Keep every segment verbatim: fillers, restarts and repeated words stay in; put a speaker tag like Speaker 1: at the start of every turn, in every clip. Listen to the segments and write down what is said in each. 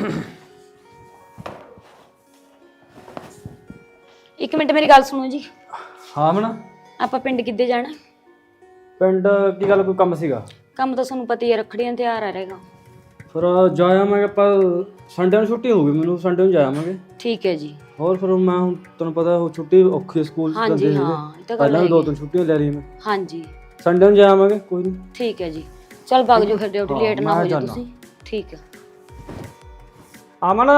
Speaker 1: ਇੱਕ ਮਿੰਟ ਮੇਰੀ ਗੱਲ ਸੁਣੋ ਜੀ।
Speaker 2: ਹਾਂ ਮਣਾ
Speaker 1: ਆਪਾਂ ਪਿੰਡ ਕਿੱਦੇ ਜਾਣਾ?
Speaker 2: ਪਿੰਡ ਕੀ ਗੱਲ, ਕੋਈ ਕੰਮ ਸੀਗਾ?
Speaker 1: ਕੰਮ ਤਾਂ ਤੁਹਾਨੂੰ ਪਤਾ ਹੀ ਹੈ, ਰੱਖੜੀਆਂ ਦਾ ਤਿਉਹਾਰ ਆ ਰਹੇਗਾ।
Speaker 2: ਫਿਰ ਜਾ ਆਵਾਂਗੇ ਆਪਾਂ, ਸੰਡੇ ਨੂੰ ਛੁੱਟੀ ਹੋਊਗੀ ਮੈਨੂੰ, ਸੰਡੇ ਨੂੰ ਜਾ ਆਵਾਂਗੇ।
Speaker 1: ਠੀਕ ਹੈ ਜੀ।
Speaker 2: ਹੋਰ ਫਿਰ ਮੈਂ ਹੁਣ ਤੁਹਾਨੂੰ ਪਤਾ ਉਹ ਛੁੱਟੀ ਔਖੀ ਸਕੂਲ ਚ
Speaker 1: ਹਾਂਜੀ
Speaker 2: ਕਰਦੇ
Speaker 1: ਹਾਂ,
Speaker 2: ਸੀਗੇ,
Speaker 1: ਇਹ ਤਾਂ ਗੱਲ
Speaker 2: ਪਹਿਲਾਂ ਵੀ ਦੋ
Speaker 1: ਹੈਗੀ।
Speaker 2: ਤਿੰਨ ਛੁੱਟੀਆਂ ਲੈ ਲਈ ਮੈਂ।
Speaker 1: ਹਾਂਜੀ
Speaker 2: ਸੰਡੇ ਨੂੰ ਜਾ ਆਵਾਂਗੇ, ਕੋਈ ਨਹੀਂ।
Speaker 1: ਠੀਕ ਹੈ ਜੀ, ਚੱਲ ਵਗ ਜਾਓ ਫਿਰ, ਡਿਊਟੀ
Speaker 2: ਹਾਂ,
Speaker 1: ਲੇਟ ਨਾ
Speaker 2: ਮੈਂ
Speaker 1: ਹੋ ਜਾਓ
Speaker 2: ਜਾਨਾ।
Speaker 1: ਤੁਸੀਂ। ਠੀਕ ਹੈ।
Speaker 2: ਆਮਨ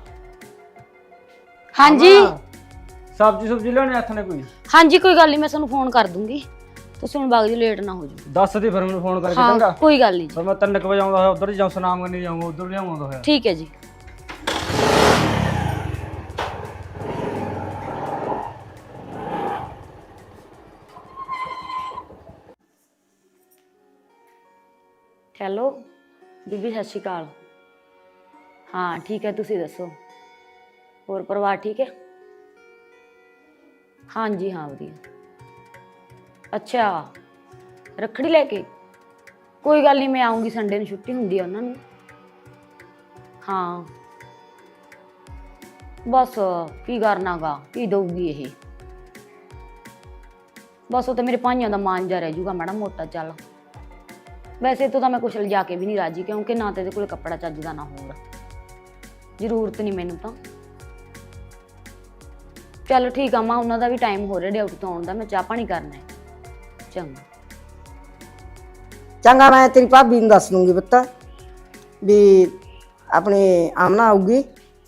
Speaker 1: ਹਾਂਜੀ
Speaker 2: ਸਬਜ਼ੀ ਸੁਬਜ਼ੀ ਲਿਆਉਣੀ ਹੱਥ ਨੇ ਕੋਈ?
Speaker 1: ਹਾਂਜੀ ਕੋਈ ਗੱਲ ਨਹੀਂ, ਮੈਂ ਤੁਹਾਨੂੰ ਫੋਨ ਕਰ ਦੂੰਗੀ, ਤੁਸੀਂ ਹੁਣ ਵਗ ਜਾਓ, ਲੇਟ ਨਾ ਹੋ ਜਾਓ।
Speaker 2: ਦੱਸ ਦੇ ਫਿਰ ਮੈਨੂੰ ਫੋਨ ਕਰਕੇ
Speaker 1: ਹਾਂ
Speaker 2: ਚੰਗਾ।
Speaker 1: ਕੋਈ ਗੱਲ ਨਹੀਂ ਜੀ।
Speaker 2: ਫਿਰ ਮੈਂ ਤਿੰਨ ਕੁ ਵਜੇ ਆਉਂਦਾ ਹੋਇਆ ਉਧਰ ਹੀ ਜਾਉਂ, ਸੁਨਾਮ ਕਰਨੀ ਜਾਊਂਗਾ, ਉਧਰ ਲਿਆਉਂਦਾ ਹੋਇਆ।
Speaker 1: ਠੀਕ ਹੈ ਜੀ। ਹੈਲੋ ਬੀਬੀ, ਸਤਿ ਸ਼੍ਰੀ ਅਕਾਲ। ਹਾਂ ਠੀਕ ਹੈ, ਤੁਸੀਂ ਦੱਸੋ, ਹੋਰ ਪਰਿਵਾਰ ਠੀਕ ਹੈ? ਹਾਂਜੀ ਹਾਂ ਵਧੀਆ। ਅੱਛਾ ਰੱਖੜੀ ਲੈ ਕੇ, ਕੋਈ ਗੱਲ ਨਹੀਂ, ਮੈਂ ਆਉਂਗੀ, ਸੰਡੇ ਨੂੰ ਛੁੱਟੀ ਹੁੰਦੀ ਆ ਉਹਨਾਂ ਨੂੰ। ਹਾਂ ਬਸ ਕੀ ਕਰਨਾ ਗਾ, ਕੀ ਦਊਗੀ ਇਹ, ਬਸ ਉਹ ਤਾਂ ਮੇਰੇ ਭਾਈਆਂ ਦਾ ਮਾਨ ਜਾ ਰਹਿ ਜੂਗਾ ਮਾੜਾ ਮੋਟਾ। ਚੱਲ ਵੈਸੇ ਤੋਂ ਤਾਂ ਮੈਂ ਕੁਛ ਲਿਜਾ ਕੇ ਵੀ ਨਹੀਂ ਰਾਜੀ, ਕਿਉਂਕਿ ਨਾ ਤੇ ਇਹਦੇ ਕੋਲ ਕੱਪੜਾ ਚੱਜਦਾ ਨਾ ਹੋਰ, ਜ਼ਰੂਰਤ ਨਹੀਂ ਮੈਨੂੰ ਤਾਂ। ਚੱਲ ਠੀਕ ਆ ਮਾਂ, ਉਹਨਾਂ ਦਾ ਵੀ ਟਾਈਮ ਹੋ ਰਿਹਾ ਡਿਊਟੀ ਤੋਂ ਆਉਣ ਦਾ, ਮੈਂ ਚਾਹ ਪਾਣੀ ਕਰਨਾ ਹੈ। ਚੰਗਾ
Speaker 3: ਚੰਗਾ, ਮੈਂ ਤੇਰੀ ਭਾਬੀ ਨੂੰ ਦੱਸ ਦੂੰਗੀ ਪੁੱਤ ਵੀ ਆਪਣੇ ਆਮਨਾ ਆਊਗੀ।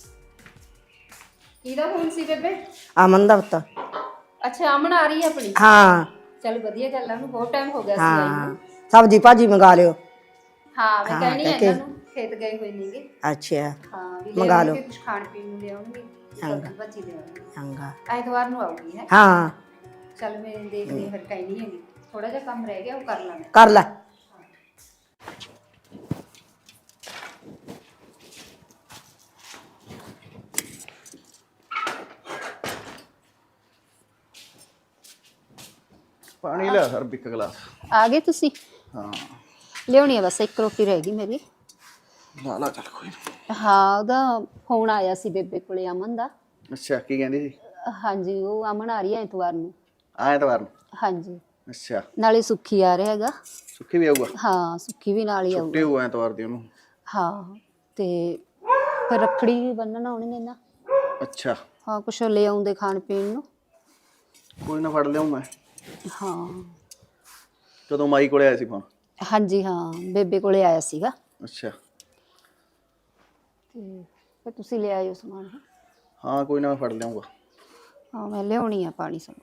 Speaker 4: ਕਿਹਦਾ ਫੋਨ ਸੀ ਬੇਬੇ?
Speaker 3: ਅਮਨ ਦਾ ਪੁੱਤ।
Speaker 4: ਅੱਛਾ ਅਮਨ ਆ ਰਹੀ ਹੈ ਆਪਣੀ?
Speaker 3: ਹਾਂ
Speaker 4: ਚਲ ਵਧੀਆ ਗੱਲ ਆ, ਉਹਨੂੰ ਬਹੁਤ ਟਾਈਮ ਹੋ ਗਿਆ ਸੀ ਆਈ
Speaker 3: ਹਾਂ,
Speaker 4: ਨੂੰ।
Speaker 3: ਸਬਜ਼ੀ ਭਾਜੀ ਮੰਗਾ ਲਿਓ।
Speaker 4: ਹਾਂ ਮੈਂ
Speaker 3: ਹਾਂ,
Speaker 4: ਕਹਿਣੀ ਹੈ
Speaker 3: ਕਹਿ
Speaker 4: ਇਹਨਾਂ ਨੂੰ, ਖੇਤ ਗਏ ਹੋਏ ਨੇਗੇ।
Speaker 3: ਅੱਛਾ
Speaker 4: ਹਾਂ ਵੀ
Speaker 3: ਮੰਗਾ ਲਓ।
Speaker 4: ਕੁਝ ਖਾਣ ਪੀਣ ਨੂੰ ਲਿਆਉਣਗੇ, ਸਬਜ਼ੀ ਭਾਜੀ ਲਿਆਉਣਗੇ।
Speaker 3: ਚੰਗਾ।
Speaker 4: ਐਤਵਾਰ ਨੂੰ ਆਊਗੀ ਹੈ।
Speaker 3: ਹਾਂ
Speaker 4: ਚਲ ਮੈਂ ਦੇਖਦੀ ਫਿਰ, ਕਹਿਣੀ ਹੈਗੀ ਥੋੜਾ ਜਿਹਾ ਕੰਮ ਰਹਿ ਗਿਆ, ਉਹ ਕਰ ਲਾਂਗੇ।
Speaker 3: ਕਰ ਲੈ।
Speaker 5: ਪਾਣੀ ਲਿਆ ਸਰ ਇੱਕ ਗਲਾਸ।
Speaker 4: ਆ ਗਏ ਤੁਸੀਂ?
Speaker 5: ਹਾਂ
Speaker 4: ਲਿਆਉਣੀ ਆ, ਬਸ ਇੱਕ ਰੋਟੀ ਰਹਿ ਗਈ ਮੇਰੀ।
Speaker 5: ਲਾ ਲਾ ਚੱਲ ਕੋਈ ਨਹੀਂ।
Speaker 4: ਹਾਂ ਉਹਦਾ ਫੋਨ ਆਇਆ ਸੀ ਬੇਬੇ ਕੋਲੇ, ਅਮਨ ਦਾ।
Speaker 5: ਅੱਛਾ ਕੀ ਕਹਿੰਦੀ ਸੀ?
Speaker 4: ਹਾਂਜੀ ਉਹ ਅਮਨ ਆ ਰਹੀ ਹੈ ਐਤਵਾਰ ਨੂੰ।
Speaker 5: ਐਤਵਾਰ ਨੂੰ?
Speaker 4: ਹਾਂਜੀ
Speaker 5: ਅੱਛਾ
Speaker 4: ਨਾਲੇ ਸੁੱਖੀ ਆ ਰਿਹਾ ਹੈਗਾ।
Speaker 5: ਸੁੱਖੀ ਵੀ ਆਊਗਾ?
Speaker 4: ਹਾਂ ਸੁੱਖੀ ਵੀ ਨਾਲ ਹੀ ਆਊਗਾ।
Speaker 5: ਛੁੱਟੀ ਹੋਊ ਐਤਵਾਰ ਦੀ ਉਹਨੂੰ।
Speaker 4: ਹਾਂ ਤੇ ਫਿਰ ਰੱਖੜੀ ਵੀ ਬੰਨਣ ਆਉਣਗੇ ਨਾ।
Speaker 5: ਅੱਛਾ
Speaker 4: ਹਾਂ ਕੁਛ ਲੈ ਆਉਂਦੇ ਖਾਣ ਪੀਣ ਨੂੰ।
Speaker 5: ਕੋਈ ਨਾ ਫੜ ਲਿਆਉਂ ਮੈਂ।
Speaker 4: ਹਾਂ
Speaker 5: ਕਦੋਂ ਮਾਈ ਕੋਲੇ ਆਇਆ ਸੀ ਫੋਨ?
Speaker 4: ਹਾਂਜੀ ਹਾਂ ਬੇਬੇ ਕੋਲੇ ਆਇਆ ਸੀਗਾ।
Speaker 5: ਅੱਛਾ
Speaker 4: ਤੇ ਫਿਰ ਤੁਸੀਂ ਲੈ ਆਇਓ ਸਮਾਨ।
Speaker 5: ਹਾਂ ਕੋਈ ਨਾ ਮੈਂ ਫੜ ਲਿਆਉਂਗਾ।
Speaker 4: ਹਾਂ ਮੈਂ ਲਿਆਉਣੀ ਆ ਪਾਣੀ ਸਭ।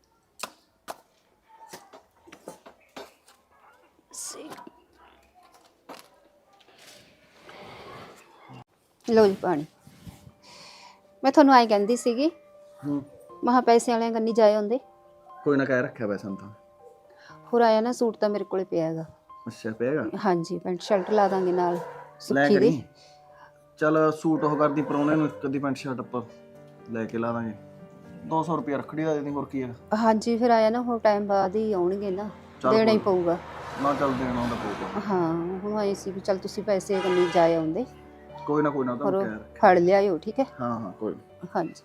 Speaker 4: ਲਓ ਜੀ ਪਾਣੀ। ਮੈਂ ਤੁਹਾਨੂੰ ਆਈ ਕਹਿੰਦੀ ਸੀਗੀ,
Speaker 5: ਹੂੰ
Speaker 4: ਮਹਾ ਪੈਸੇ ਵਾਲਿਆਂ ਕੰਨੀ ਜਾਏ ਹੁੰਦੇ।
Speaker 5: ਕੋਈ ਨਾ ਕਹਿ ਰੱਖਿਆ ਵੈਸੇ ਤਾਂ।
Speaker 4: ਹੋਰ ਆਇਆ ਨਾ ਸੂਟ ਤਾਂ ਮੇਰੇ ਕੋਲੇ ਪਿਆ ਹੈਗਾ।
Speaker 5: ਅੱਛਾ ਪਿਆਗਾ?
Speaker 4: ਹਾਂਜੀ ਪੈਂਟ ਸ਼ਰਟ ਲਾ ਦਾਂਗੇ ਨਾਲ
Speaker 5: ਲੈ
Speaker 4: ਸੁੱਖੀ
Speaker 5: ਕਰੀ
Speaker 4: ਦੀ।
Speaker 5: ਚੱਲ ਸੂਟ ਉਹ ਕਰਦੀ ਪਰੋਣੇ ਨੂੰ, ਇੱਕ ਅੱਧੀ ਪੈਂਟ ਸ਼ਰਟ ਆਪਾਂ ਲੈ ਕੇ ਲਾ ਦਾਂਗੇ। ਦੋ ਸੌ ਰੁਪਇਆ ਰੱਖੜੀ ਦਾ ਦੇ ਦੀ, ਹੋਰ ਕੀ ਹੈਗਾ।
Speaker 4: ਹਾਂਜੀ ਫਿਰ ਆਇਆ ਨਾ ਹੋਰ ਟਾਈਮ ਬਾਅਦ ਹੀ ਆਉਣਗੇ ਨਾ,
Speaker 5: ਚੱਲ
Speaker 4: ਦੇਣਾ ਹੀ
Speaker 5: ਕੋਈ-
Speaker 4: ਪਊਗਾ।
Speaker 5: ਨਾ ਚੱਲ ਦੇਣਾ ਹੁੰਦਾ ਪਊਗਾ।
Speaker 4: ਹਾਂ ਹੁਣ ਆਏ ਸੀ ਵੀ ਚੱਲ ਤੁਸੀਂ ਪੈਸੇ ਕੰਨੀ ਜਾਏ ਆਉਂਦੇ।
Speaker 5: ਕੋਈ ਨਾ ਕੋਈ ਨਾ
Speaker 4: ਹੋਰ
Speaker 5: ਤੁਹਾਨੂੰ ਕਹਿ ਰੱਖਿਆ।
Speaker 4: ਫੜ ਲਿਆਇਓ ਠੀਕ ਹੈ।
Speaker 5: ਹਾਂ ਹਾਂ ਕੋਈ ਨਾ।
Speaker 4: ਹਾਂਜੀ